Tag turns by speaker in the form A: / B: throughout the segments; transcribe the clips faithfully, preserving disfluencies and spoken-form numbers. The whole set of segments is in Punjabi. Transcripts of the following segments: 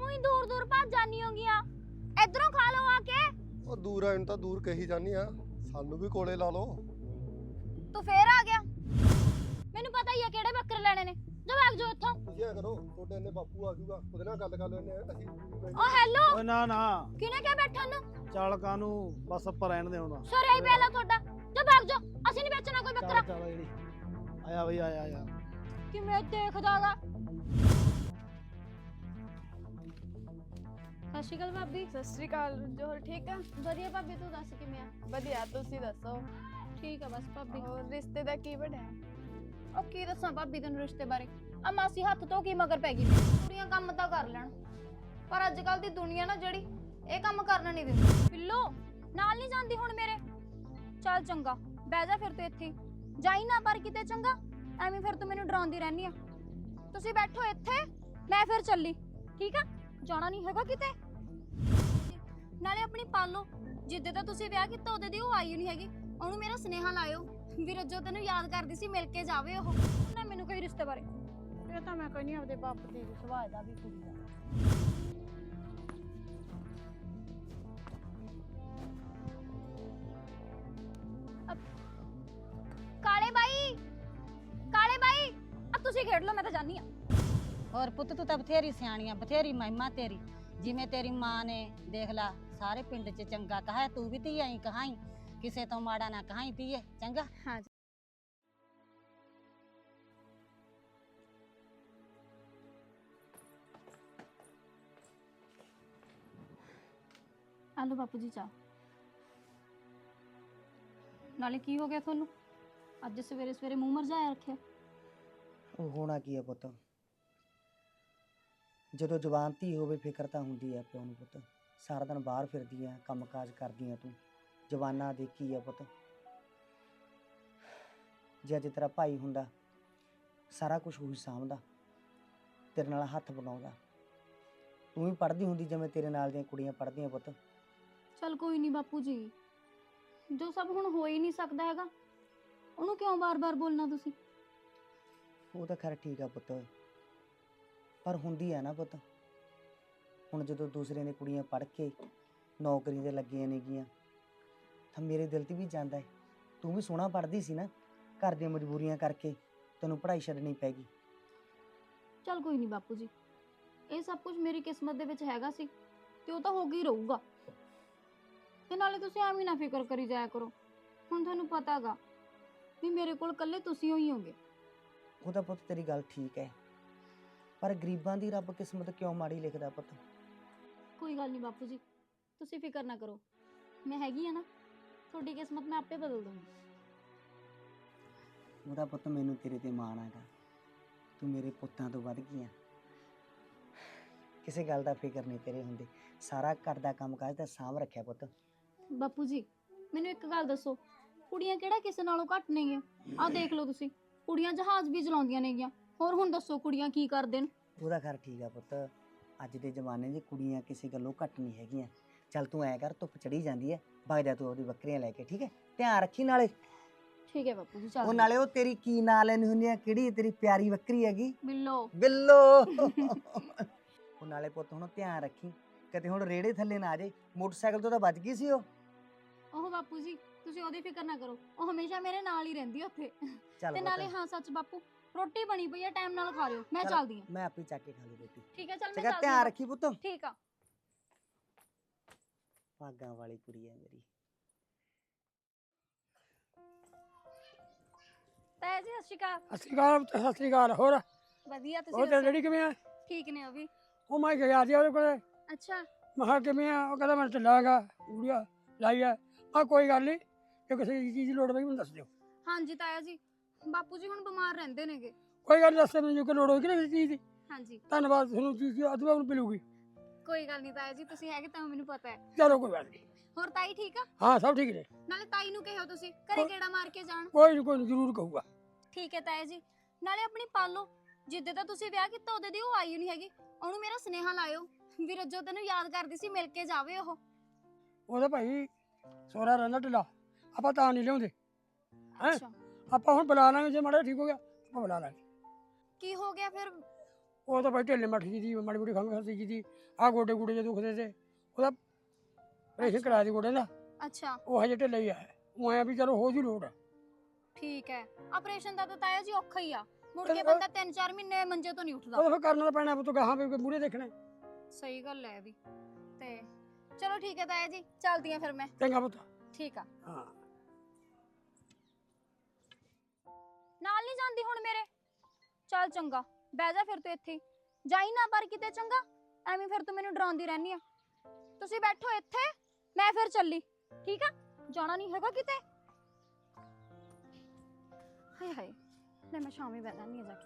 A: ਉਹੀ ਦੂਰ ਦੂਰ ਭੱਜ ਜਾਨੀ ਹੋਗੀਆਂ। ਇਧਰੋਂ ਖਾ ਲਓ ਆ ਕੇ।
B: ਉਹ ਦੂਰ ਆਣ ਤਾਂ ਦੂਰ ਕਹੀ ਜਾਨੀ ਆ, ਸਾਨੂੰ ਵੀ ਕੋਲੇ ਲਾ ਲਓ।
A: ਤੂੰ ਫੇਰ ਆ ਗਿਆ। ਮੈਨੂੰ ਪਤਾ ਹੀ ਆ ਕਿਹੜੇ ਬੱਕਰੇ ਲੈਣੇ ਨੇ। ਜਾ ਭਾਗ ਜਾ ਇੱਥੋਂ।
B: ਤੁਸੀਂ ਐ ਕਰੋ, ਤੁਹਾਡੇ ਇੰਨੇ ਬਾਪੂ ਆ ਜਾਊਗਾ, ਉਹਦੇ ਨਾਲ ਗੱਲ ਕਰ ਲੈਣੇ ਆ ਅਸੀਂ।
A: ਓ ਹੈਲੋ,
C: ਓਏ ਨਾ ਨਾ
A: ਕਿਹਨੇ ਕਿਹਾ ਬੈਠਣ ਨੂੰ?
C: ਚੱਲ ਕਾਨੂੰ ਬਸ ਆਪਾਂ ਰਹਿਣ ਦੇ ਹੁਣ।
A: ਸਰਿਆ ਹੀ ਪਹਿਲਾਂ ਤੁਹਾਡਾ। ਜਾ ਭਾਗ ਜਾ, ਅਸੀਂ ਨਹੀਂ ਵੇਚਣਾ ਕੋਈ ਬੱਕਰਾ।
C: ਚੱਲ ਚੱਲ ਜਿਹੜੀ ਆਇਆ ਬਈ ਆਇਆ ਆਇਆ।
A: ਕਿਵੇਂ ਦੇਖਦਾਗਾ। ਸਤਿ ਸ਼੍ਰੀ ਅਕਾਲ ਭਾਬੀ।
D: ਸਤਿ ਸ਼੍ਰੀ ਅਕਾਲ। ਜੋ ਠੀਕ ਆ?
A: ਵਧੀਆ ਭਾਬੀ, ਤੂੰ ਦੱਸ ਕਿਵੇਂ ਆ?
D: ਵਧੀਆ, ਤੁਸੀਂ ਦੱਸੋ?
A: ਠੀਕ ਆ ਬਸ ਭਾਬੀ।
D: ਹੋਰ ਰਿਸ਼ਤੇ ਦਾ ਕੀ ਬਣਿਆ?
A: ਉਹ ਕੀ ਦੱਸਾਂ ਭਾਬੀ ਤੈਨੂੰ ਰਿਸ਼ਤੇ ਬਾਰੇ। ਆ ਮਾਸੀ ਹੱਥ ਤੋਂ ਕੀ ਮਗਰ ਪੈ ਗਈ। ਕੁੜੀਆਂ ਕੰਮ ਤਾਂ ਕਰ ਲੈਣ, ਪਰ ਅੱਜ ਕੱਲ ਦੀ ਦੁਨੀਆ ਨਾ ਜਿਹੜੀ ਇਹ ਕੰਮ ਕਰਨ ਨਹੀਂ ਦਿੰਦੀ। ਪਿੱਲੋ ਨਾਲ ਨਹੀਂ ਜਾਂਦੀ ਹੁਣ ਮੇਰੇ। ਚੱਲ ਚੰਗਾ ਬਹਿ ਜਾ ਫਿਰ ਤੂੰ ਇੱਥੇ ਜਾਈ ਨਾ ਪਰ ਕਿਤੇ। ਚੰਗਾ ਐਵੇਂ ਫਿਰ ਤੂੰ ਮੈਨੂੰ ਡਰਾਉਂਦੀ ਰਹਿਨੀ ਆ। ਤੁਸੀਂ ਬੈਠੋ ਇੱਥੇ, ਮੈਂ ਫਿਰ ਚੱਲੀ। ਠੀਕ ਆ, ਜਾਣਾ ਨਹੀਂ ਹੈਗਾ ਕਿਤੇ। ਨਾਲੇ ਆਪਣੀ ਪਾਲੋ, ਜਿੱਦੇ ਤਾਂ ਤੁਸੀਂ ਵਿਆਹ ਕੀਤਾ ਉਹਦੇ ਦੀ ਉਹ ਆਈ ਨਹੀਂ ਹੈਗੀ। ਉਹਨੂੰ ਮੇਰਾ ਸੁਨੇਹਾ ਲਾਇਓ ਵੀ ਰੱਜੋ ਤੈਨੂੰ ਯਾਦ ਕਰਦੀ ਸੀ, ਮਿਲ ਕੇ ਜਾਵੇ ਉਹ। ਨਾ ਮੈਨੂੰ ਕੋਈ ਰਿਸ਼ਤੇ ਬਾਰੇ। ਇਹ ਤਾਂ ਮੈਂ ਕਹਿੰਦੀ ਆਪਦੇ ਬਾਪ ਦੇ ਸੁਭਾਅ ਦਾ ਵੀ ਕੁੜੀ ਦਾ। ਕਾਲੇ ਬਾਈ, ਕਾਲੇ ਬਾਈ ਆ ਤੁਸੀਂ ਖੇਡ ਲਓ, ਮੈਂ ਤਾਂ ਜਾਨੀ ਆ।
E: ਹੋਰ ਪੁੱਤ ਤੂੰ ਤਾਂ ਬਥੇਰੀ ਸਿਆਣੀ ਆ, ਬਥੇਰੀ ਮਹਿਮਾ ਤੇਰੀ। ਜਿਵੇਂ ਤੇਰੀ ਮਾਂ ਨੇ ਦੇਖ ਲਾ ਸਾਰੇ ਪਿੰਡ 'ਚ ਚੰਗਾ ਕਹਾ, ਤੂੰ ਵੀ ਧੀ ਆਈ ਕਹਾਈ, ਕਿਸੇ ਤੋਂ ਮਾੜਾ ਨਾ ਕਹਾਈ ਧੀਏ। ਚੰਗਾ
A: ਹਾਂ ਆਲੋ ਬਾਪੂ ਜੀ ਚਾਹ। ਨਾਲੇ ਕੀ ਹੋ ਗਿਆ ਤੁਹਾਨੂੰ? ਅੱਜ ਸਵੇਰੇ ਸਵੇਰੇ ਮੂੰਹ ਮਰਜਾਇਆ ਰੱਖਿਆ।
F: ਉਹ ਹੋਣਾ ਕੀ ਆ ਪੁੱਤ, ਜਦੋਂ ਜਵਾਨ ਧੀ ਹੋਵੇ ਫਿਕਰ ਤਾਂ ਹੁੰਦੀ ਆ ਪਿਓ ਨੂੰ ਪੁੱਤ। ਸਾਰਾ ਦਿਨ ਬਾਹਰ ਫਿਰਦੀ ਆ, ਕੰਮ ਕਾਜ ਕਰਦੀ ਆ ਤੂੰ, ਜਵਾਨਾ ਦੇਖੀ ਆ ਪੁੱਤ। ਜੇ ਅੱਜ ਤੇਰਾ ਭਾਈ ਹੁੰਦਾ ਸਾਰਾ ਕੁਝ ਉਹੀ ਸਾਂਭਦਾ, ਤੇਰੇ ਨਾਲ ਹੱਥ ਬਣਾਉਂਦਾ। ਤੂੰ ਵੀ ਪੜ੍ਹਦੀ ਹੁੰਦੀ ਜਿਵੇਂ ਤੇਰੇ ਨਾਲ ਦੀਆਂ ਕੁੜੀਆਂ ਪੜ੍ਹਦੀਆਂ ਪੁੱਤ।
A: ਚਲ ਕੋਈ ਨਹੀਂ ਬਾਪੂ ਜੀ, ਜੋ ਸਭ ਹੁਣ ਹੋ ਹੀ ਨਹੀਂ ਸਕਦਾ ਹੈਗਾ ਉਹਨੂੰ ਕਿਉਂ ਬਾਰ-ਬਾਰ ਬੋਲਣਾ ਤੁਸੀਂ?
F: ਉਹ ਤਾਂ ਖੈਰ ਠੀਕ ਆ ਪੁੱਤ, ਪਰ ਹੁੰਦੀ ਆ ਨਾ ਪੁੱਤ। ਹੁਣ ਜਦੋਂ ਦੂਸਰੇ ਨੇ ਕੁੜੀਆਂ ਪੜ੍ਹ ਕੇ ਨੌਕਰੀ ਤੇ ਲੱਗੀਆਂ ਨੇਗੀਆਂ ਤਾਂ ਮੇਰੇ ਦਿਲ ਤੇ ਵੀ ਜਾਂਦਾ ਹੈ। ਤੂੰ ਵੀ ਸੋਹਣਾ ਪੜ੍ਹਦੀ ਸੀ ਨਾ, ਘਰ ਦੀਆਂ ਮਜਬੂਰੀਆਂ ਕਰਕੇ ਤੈਨੂੰ ਪੜ੍ਹਾਈ ਛੱਡਣੀ ਪੈ ਗਈ।
A: ਚਲ ਕੋਈ ਨਹੀਂ ਬਾਪੂ ਜੀ, ਇਹ ਸਭ ਕੁਝ ਮੇਰੀ ਕਿਸਮਤ ਦੇ ਵਿੱਚ ਹੈਗਾ ਸੀ ਤੇ ਉਹ ਤਾਂ ਹੋ ਗਈ ਰਹੂਗਾ। ਤੇ ਨਾਲੇ ਤੁਸੀਂ ਐਵੇਂ ਨਾ ਫਿਕਰ ਕਰੀ ਜਾਇਆ ਕਰੋ। ਹੁਣ ਤੁਹਾਨੂੰ ਪਤਾਗਾ ਵੀ ਮੇਰੇ ਕੋਲ ਇਕੱਲੇ ਤੁਸੀਂ ਹੀ ਹੋਗੇ।
F: ਉਹ ਤਾਂ ਪੁੱਤ ਤੇਰੀ ਗੱਲ ਠੀਕ ਹੈ, ਪਰ ਗਰੀਬਾਂ ਦੀ ਰੱਬ ਕਿਸਮਤ ਕਿਉਂ ਮਾੜੀ ਲਿਖਦਾ ਪੁੱਤ?
A: ਕੋਈ ਗੱਲ ਨਹੀਂ ਬਾਪੂ ਜੀ, ਤੁਸੀਂ ਫਿਕਰ ਨਾ ਕਰੋ, ਮੈਂ ਹੈਗੀ ਆ ਨਾ। ਤੁਹਾਡੀ ਕਿਸਮਤ ਮੈਂ ਆਪੇ ਬਦਲ ਦੂੰਗੀ।
F: ਉਹਦਾ ਪੁੱਤ ਮੈਨੂੰ ਤੇਰੇ ਤੇ ਮਾਣ ਆਗਾ, ਤੂੰ ਮੇਰੇ ਪੁੱਤਾਂ ਤੋਂ ਵੱਧ ਗਈ ਆ। ਕਿਸੇ ਗੱਲ ਦਾ ਫਿਕਰ ਨਹੀਂ ਤੇਰੇ ਹੁੰਦੇ, ਸਾਰਾ ਘਰ ਦਾ ਕੰਮ ਕਾਜ ਤਾਂ ਸਾਂਭ ਰੱਖਿਆ ਪੁੱਤ।
A: ਬਾਪੂ ਜੀ ਮੈਨੂੰ ਇੱਕ ਗੱਲ ਦੱਸੋ, ਕੁੜੀਆਂ ਕਿਹੜਾ ਕਿਸੇ ਨਾਲੋਂ ਘੱਟ ਨੇਗੀਆਂ? ਆਹ ਦੇਖ ਲਓ ਤੁਸੀਂ, ਕੁੜੀਆਂ ਜਹਾਜ਼ ਵੀ ਚਲਾਉਂਦੀਆਂ ਨੇਗੀਆਂ। ਹੋਰ ਹੁਣ ਦੱਸੋ ਕੁੜੀਆਂ ਕੀ ਕਰਦੇ ਨੇ?
F: ਉਹਦਾ ਖੈਰ ਠੀਕ ਆ ਪੁੱਤ, ਅੱਜ ਦੇ ਜ਼ਮਾਨੇ 'ਚ ਕੁੜੀਆਂ ਕਿਸੇ ਗੱਲੋਂ ਘੱਟ ਨਹੀਂ ਹੈਗੀਆਂ। ਚੱਲ ਤੂੰ ਐ ਕਰ, ਧੁੱਪ ਚੜੀ ਜਾਂਦੀ ਹੈ, ਵਗ ਜਾ ਤੂੰ ਉਹਦੀ ਬੱਕਰੀਆਂ ਲੈ ਕੇ। ਠੀਕ ਹੈ, ਧਿਆਨ ਰੱਖੀ। ਨਾਲੇ
A: ਠੀਕ ਹੈ ਬਾਪੂ ਜੀ, ਚੱਲ।
F: ਉਹ ਨਾਲੇ ਉਹ ਤੇਰੀ ਕੀ ਨਾਂ ਲੈਣੀ ਹੁੰਦੀ ਆ, ਕਿਹੜੀ ਤੇਰੀ ਪਿਆਰੀ ਬੱਕਰੀ ਹੈਗੀ?
A: ਬਿੱਲੋ।
F: ਬਿੱਲੋ। ਉਹ ਨਾਲੇ ਪੁੱਤ ਹੁਣ ਧਿਆਨ ਰੱਖੀ, ਕਿਤੇ ਹੁਣ ਰੇੜੇ ਥੱਲੇ ਨਾ ਆ ਜੇ। ਮੋਟਰਸਾਈਕਲ ਤੋਂ ਤਾਂ ਬਚ ਗਈ ਸੀ ਉਹ।
A: ਉਹ ਬਾਪੂ ਜੀ ਤੁਸੀਂ ਉਹਦੀ ਫਿਕਰ ਨਾ ਕਰੋ, ਉਹ ਹਮੇਸ਼ਾ ਮੇਰੇ ਨਾਲ ਹੀ ਰਹਿੰਦੀ ਉੱਥੇ।
F: ਚੱਲ
A: ਤੇ ਨਾਲੇ ਹਾਂ ਸੱਚ ਬਾਪੂ, ਰੋਟੀ ਬਣੀ ਪਈ ਆ, ਟਾਈਮ ਨਾਲ ਖਾ ਲਿਓ। ਮੈਂ
F: ਚੱਲ,
A: ਚੱਲਦੀ ਆ।
F: ਮੈਂ ਆਪੇ ਚੱਕ ਕੇ ਖਾ ਲਈ ਰੋਟੀ।
A: ਠੀਕ ਹੈ, ਚੱਲ ਮੈਂ
F: ਚੰਗਾ,
A: ਚੱਲਦੀ
F: ਧਿਆਨ
A: ਆ।
F: ਰੱਖੀ ਪੁੱਤ।
A: ਠੀਕ ਆ।
F: ਭਾਗਾਂ ਵਾਲੀ ਕੁੜੀ ਹੈ ਮੇਰੀ।
A: ਤਾਇਆ ਜੀ ਸਤਿ ਸ਼੍ਰੀ ਅਕਾਲ।
G: ਸਤਿ ਸ਼੍ਰੀ ਅਕਾਲ। ਸਤਿ ਸ਼੍ਰੀ ਅਕਾਲ। ਹੋਰ
A: ਵਧੀਆ,
G: ਉਹ
A: ਤੁਸੀਂ
G: ਤੇ
A: ਦੱਸੋ?
G: ਜਿਹੜੀ ਕਿਵੇਂ ਆ?
A: ਠੀਕ ਨੇ ਉਹ ਵੀ।
G: ਉਹ ਮੈਂ ਗਿਆ ਸੀ ਉਹਦੇ ਕੋਲੇ,
A: ਅੱਛਾ
G: ਮੈਂ ਕਿਹਾ ਕਿਵੇਂ ਆ? ਉਹ ਕਹਿੰਦਾ ਮੈਂ ਚੱਲਾਂਗਾ, ਕੁੜੀਆ ਲਾਈ ਆ। ਆ ਕੋਈ ਗੱਲ ਨਹੀਂ, ਜੇ ਕਿਸੇ ਚੀਜ਼ ਦੀ ਲੋੜ ਪਈ ਮੈਨੂੰ ਦੱਸ ਦਿਓ।
A: ਹਾਂਜੀ ਤਾਇਆ ਜੀ, ਬਾਪੂ ਜੀ ਹੁਣ ਬਿਮਾਰ ਰਹਿੰਦੇ ਨੇਗੇ।
G: ਕੋਈ ਗੱਲ ਨੀ, ਦੱਸ ਮੈਨੂੰ ਕਿ ਲੋੜ ਹੋਈ ਕਿ ਕਿਸੇ ਚੀਜ਼ ਦੀ।
A: ਹਾਂਜੀ
G: ਧੰਨਵਾਦ, ਤੁਹਾਨੂੰ ਚੀਜ਼ ਅਦਵਾ ਨੂੰ ਮਿਲੂਗੀ।
A: ਕੋਈ ਗੱਲ ਨਹੀਂ ਤਾਇਆ ਜੀ, ਤੁਸੀਂ ਹੈਗੇ ਤਾਂ ਮੈਨੂੰ ਪਤਾ ਹੈ।
G: ਚਲੋ ਕੋਈ ਗੱਲ ਨਹੀਂ।
A: ਹੋਰ ਤਾਈ ਠੀਕ ਆ?
G: ਹਾਂ ਸਭ ਠੀਕ ਨੇ।
A: ਨਾਲੇ ਤਾਈ ਨੂੰ ਕਿਹੋ ਤੁਸੀਂ ਘਰੇ ਗੇੜਾ ਮਾਰ ਕੇ ਜਾਣ।
G: ਕੋਈ ਨਹੀਂ ਕੋਈ ਨਹੀਂ, ਜ਼ਰੂਰ ਕਹੂਗਾ।
A: ਠੀਕ ਹੈ ਤਾਇਆ ਜੀ। ਨਾਲੇ ਆਪਣੀ ਪਾਲੋ, ਜਿੱਦੇ ਤਾਂ ਤੁਸੀਂ ਵਿਆਹ ਕੀਤਾ ਉਹਦੇ ਦੀ ਉਹ ਆਈ ਨਹੀਂ ਹੈਗੀ। ਉਹਨੂੰ ਮੇਰਾ ਸੁਨੇਹਾ ਲਾਇਓ ਵੀ ਰੱਜੋ ਤੈਨੂੰ ਯਾਦ ਕਰਦੀ ਸੀ, ਮਿਲ ਕੇ ਜਾਵੇ ਉਹ।
G: ਉਹਦਾ ਭਾਈ ਸੋਹਰਾ ਰਹਿੰਦਾ ਢਿੱਲਾ, ਆਪਾਂ ਤਾਂ ਨਹੀਂ ਲਿਆਉਂਦੇ ਹੈ।
A: ਅੱਛਾ
G: ਆਪਾਂ ਹੁਣ ਬੁਲਾ ਲਾਂਗੇ, ਜੇ ਮਾੜਾ ਠੀਕ ਹੋ ਗਿਆ ਆਪਾਂ ਬੁਲਾ ਲਾਂਗੇ।
A: ਕੀ ਹੋ ਗਿਆ ਫਿਰ?
G: ਉਹ ਤਾਂ ਭਾਈ ਢਿੱਲੇ ਮੱਠ ਜੀ ਦੀ ਮਾੜੀ ਮੋਟੀ ਖੰਘ ਖਾਂਸੀ ਜੀ ਦੀ ਆ ਗੋਡੇ ਗੋਡੇ ਜੇ ਦੁਖਦੇ ਤੇ ਉਹਦਾ ਆਪਰੇਸ਼ਨ ਕਰਾ ਦੀ ਗੋਡੇ ਦਾ
A: ਅੱਛਾ
G: ਉਹ ਹਜੇ ਢਿੱਲਾ ਹੀ ਆ ਉਹ ਐਂ ਵੀ ਚਲੋ ਹੋ ਜੂ ਲੋੜ
A: ਠੀਕ ਹੈ ਆਪਰੇਸ਼ਨ ਦਾ ਤਾਂ ਤਾਇਆ ਜੀ ਔਖਾ ਹੀ ਆ ਮੁੜ ਕੇ
G: ਉਹ-
A: ਬੰਦਾ ਤਿੰਨ ਚਾਰ ਮਹੀਨੇ ਮੰਜੇ ਤੋਂ ਨਹੀਂ ਉੱਠਦਾ
G: ਉਹ ਫਿਰ ਕਰਨਾ ਤਾਂ ਪੈਣਾ ਪੁੱਤ ਗਾਹਾਂ ਵੀ ਮੂਹਰੇ ਦੇਖਣਾ
A: ਸਹੀ ਗੱਲ ਹੈ ਵੀ ਤੇ ਚਲੋ ਠੀਕ ਹੈ ਤਾਇਆ ਜੀ ਚੱਲਦੀ ਆ ਫਿਰ ਮੈਂ
G: ਚੰਗਾ ਪੁੱਤ
A: ਠੀਕ ਆ
G: ਹਾਂ
A: ਨਾਲ ਨਹੀਂ ਜਾਂਦੀ ਹੁਣ ਮੇਰੇ ਚੱਲ ਚੰਗਾ ਬਹਿ ਜਾ ਫਿਰ ਤੂੰ ਇੱਥੇ ਹੀ। ਜਾਈ ਨਾ ਪਰ ਕਿਤੇ ਚੰਗਾ ਐਵੇਂ ਫਿਰ ਤੂੰ ਮੈਨੂੰ ਡਰਾਉਂਦੀ ਰਹਿਨੀ ਆ ਤੁਸੀਂ ਬੈਠੋ ਇੱਥੇ ਮੈਂ ਫਿਰ ਚੱਲੀ ਠੀਕ ਆ ਜਾਣਾ ਨਹੀਂ ਹੈਗਾ ਕਿਤੇ ਹਾਏ ਹਾਏ ਲੈ ਮੈਂ ਸ਼ਾਮੀ ਬਹਿ ਜਾਂਦੀ ਆ ਜਾ ਕੇ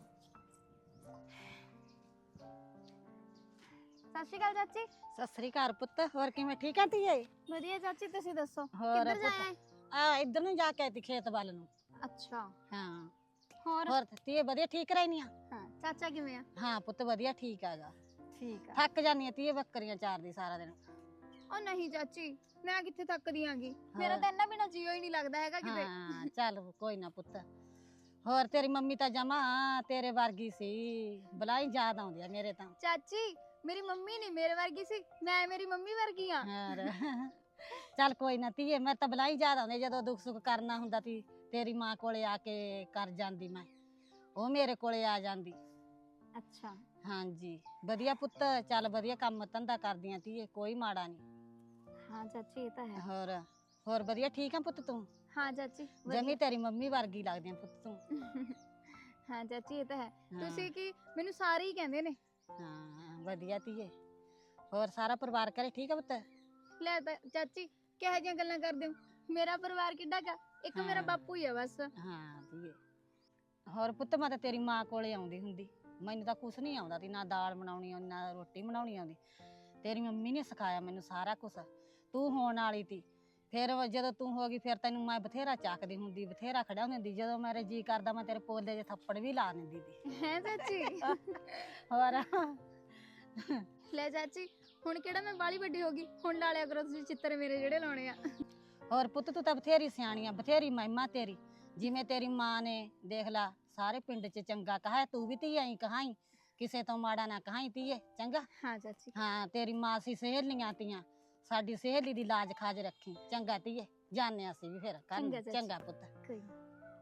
A: ਸਤਿ ਸ਼੍ਰੀ ਅਕਾਲ ਚਾਚੀ
E: ਸਤਿ ਸ੍ਰੀ ਅਕਾਲ ਪੁੱਤ ਹੋਰ ਕਿਵੇਂ ਠੀਕ ਆ ਧੀਏ
A: ਵਧੀਆ ਚਾਚੀ ਤੁਸੀਂ ਦੱਸੋ
E: ਹੋਰ
A: ਕਿੱਧਰ
E: ਪੁੱਤ
A: ਜਾਏ
E: ਆ ਇੱਧਰ ਨੂੰ ਜਾ ਕੇ ਆਈ ਤੀ ਖੇਤ ਵੱਲ ਨੂੰ
A: ਅੱਛਾ
E: ਹਾਂ
A: ਹੋਰ
E: ਹੋਰ ਧੀਏ ਵਧੀਆ ਠੀਕ ਰਹਿਨੀ ਆ
A: ਹਾਂ ਚਾਚਾ ਕਿਵੇਂ ਆ
E: ਹਾਂ ਪੁੱਤ ਵਧੀਆ ਠੀਕ ਆਗਾ
A: ਠੀਕ ਆ
E: ਥੱਕ ਜਾਨੀ ਆ ਧੀਏ ਬੱਕਰੀਆਂ ਚਾਰਦੀ ਸਾਰਾ ਦਿਨ
A: ਉਹ ਨਹੀਂ ਚਾਚੀ ਮੈਂ ਕਿੱਥੇ ਥੱਕਦੀ ਆਂਗੀ ਮੇਰਾ ਤਾਂ ਇੰਨਾ ਬਿਨਾ ਜੀਓ ਹੀ ਨਹੀਂ ਲੱਗਦਾ ਹੈਗਾ ਕਿਤੇ
E: ਹਾਂ ਚੱਲ ਕੋਈ ਨਾ ਪੁੱਤ ਹੋਰ ਤੇਰੀ ਮੰਮੀ ਤਾਂ ਜਮਾ ਤੇਰੇ ਵਰਗੀ ਸੀ ਬਲਾਈ ਯਾਦ ਆਉਂਦੀ ਆ ਮੇਰੇ ਤਾਂ
A: ਚਾਚੀ ਮੇਰੀ ਮੰਮੀ ਨਹੀਂ ਮੇਰੇ ਵਰਗੀ ਸੀ ਮੈਂ ਮੇਰੀ ਮੰਮੀ ਵਰਗੀ ਆ
E: ਹੋਰ ਚੱਲ ਕੋਈ ਨਾ ਧੀਏ ਮੈਂ ਤਾਂ ਬਲਾਈ ਯਾਦ ਆਉਂਦੀ ਜਦੋਂ ਦੁੱਖ ਸੁੱਖ ਕਰਨਾ ਹੁੰਦਾ ਤੀ ਤੇਰੀ ਮਾਂ ਕੋਲੇ ਆ ਕੇ ਕਰ ਜਾਂਦੀ ਮੈਂ ਉਹ ਮੇਰੇ ਕੋਲੇ ਆ ਜਾਂਦੀ
A: ਅੱਛਾ
E: ਹਾਂਜੀ ਵਧੀਆ ਪੁੱਤ ਚੱਲ ਵਧੀਆ ਕੰਮ ਧੰਦਾ ਕਰਦੀਆਂ ਧੀਏ ਕੋਈ ਮਾੜਾ ਨਹੀਂ
A: ਹਾਂ ਚਾਚੀ ਇਹ ਤਾਂ ਹੈ
E: ਹੋਰ ਹੋਰ ਵਧੀਆ ਠੀਕ ਆ ਪੁੱਤ ਤੂੰ
A: ਹਾਂ ਚਾਚੀ
E: ਜਮੀ ਤੇਰੀ ਮੰਮੀ ਵਰਗੀ ਲੱਗਦੀ ਆ ਪੁੱਤ ਤੂੰ
A: ਹਾਂ ਚਾਚੀ ਇਹ ਤਾਂ ਹੈ
E: ਹਾਂ।
A: ਤੁਸੀਂ ਕੀ ਮੈਨੂੰ ਸਾਰੇ ਹੀ ਕਹਿੰਦੇ ਨੇ
E: ਹਾਂ ਵਧੀਆ ਧੀਏ ਹੋਰ ਸਾਰਾ ਪਰਿਵਾਰ ਘਰੇ ਠੀਕ ਆ ਪੁੱਤ
A: ਲੈ ਤਾਂ ਚਾਚੀ ਕਿਹੋ ਜਿਹੀਆਂ ਗੱਲਾਂ ਕਰਦੇ ਹੋ ਮੇਰਾ ਪਰਿਵਾਰ ਕਿੱਡਾ ਕਾ ਇੱਕ ਮੇਰਾ
E: ਹਾਂ।
A: ਬਾਪੂ ਹੀ ਆ ਬਸ
E: ਹਾਂ ਧੀਏ ਹੋਰ ਪੁੱਤ ਮੈਂ ਤਾਂ ਤੇਰੀ ਮਾਂ ਕੋਲੇ ਆਉਂਦੀ ਹੁੰਦੀ ਮੈਨੂੰ ਤਾਂ ਕੁਛ ਨਹੀਂ ਆਉਂਦਾ ਤੀ ਨਾ ਦਾਲ ਬਣਾਉਣੀ ਆਉਂਦੀ ਨਾ ਰੋਟੀ ਬਣਾਉਣੀ ਆਉਂਦੀ ਤੇਰੀ ਮੰਮੀ ਨੇ ਸਿਖਾਇਆ ਮੈਨੂੰ ਸਾਰਾ ਕੁਛ ਤੂੰ ਹੋਣ ਵਾਲੀ ਤੀ ਫਿਰ ਜਦੋਂ ਤੂੰ ਹੋ ਗਈ ਫਿਰ ਤੈਨੂੰ ਮੈਂ ਬਥੇਰਾ ਚੱਕਦੀ ਹੁੰਦੀ ਬਥੇਰਾ ਖੜਾਉਂਦੀ ਹੁੰਦੀ ਜਦੋਂ ਮੇਰੇ ਜੀ ਕਰਦਾ ਮੈਂ ਤੇਰੇ ਪੋਲੇ ਜੇ ਥੱਪੜ ਵੀ ਲਾ ਦਿੰਦੀ ਤੀ
A: ਹੈ ਚਾਚੀ
E: ਹੋਰ
A: ਲੈ ਚਾਚੀ ਹੁਣ ਕਿਹੜਾ ਮੈਂ ਬਾਲੀ ਵੱਡੀ ਹੋ ਗਈ ਹੁਣ ਲਾ ਲਿਆ ਕਰੋ ਤੁਸੀਂ ਚਿੱਤਰ ਮੇਰੇ ਜਿਹੜੇ ਲਾਉਣੇ ਆ
E: ਹੋਰ ਪੁੱਤ ਤੂੰ ਤਾਂ ਬਥੇਰੀ ਸਿਆਣੀ ਆ ਬਥੇਰੀ ਮਹਿਮਾ ਤੇਰੀ ਜਿਵੇਂ ਤੇਰੀ ਮਾਂ ਨੇ ਦੇਖ ਲਾ ਸਾਰੇ ਪਿੰਡ 'ਚ ਚੰਗਾ ਕਹਾ ਤੂੰ ਵੀ ਧੀ ਐਂ ਕਹਾਈ ਕਿਸੇ ਤੋਂ ਮਾੜਾ ਨਾ ਕਹਾਈ ਧੀਏ ਚੰਗਾ
A: ਹਾਂ ਚਾਚੀ
E: ਹਾਂ ਤੇਰੀ ਮਾਂ ਸੀ ਸਹੇਲੀਆਂ ਤੀਆਂ ਸਾਡੀ ਸਹੇਲੀ ਦੀ ਲਾਜ ਖਾਜ ਰੱਖੀ ਚੰਗਾ ਧੀਏ ਜਾਣੇ ਅਸੀਂ ਵੀ ਫਿਰ
A: ਚੰਗਾ
E: ਕਰ
A: ਚਾਚੀ।
E: ਚੰਗਾ ਪੁੱਤ
A: ਕੋਈ ਨੀ।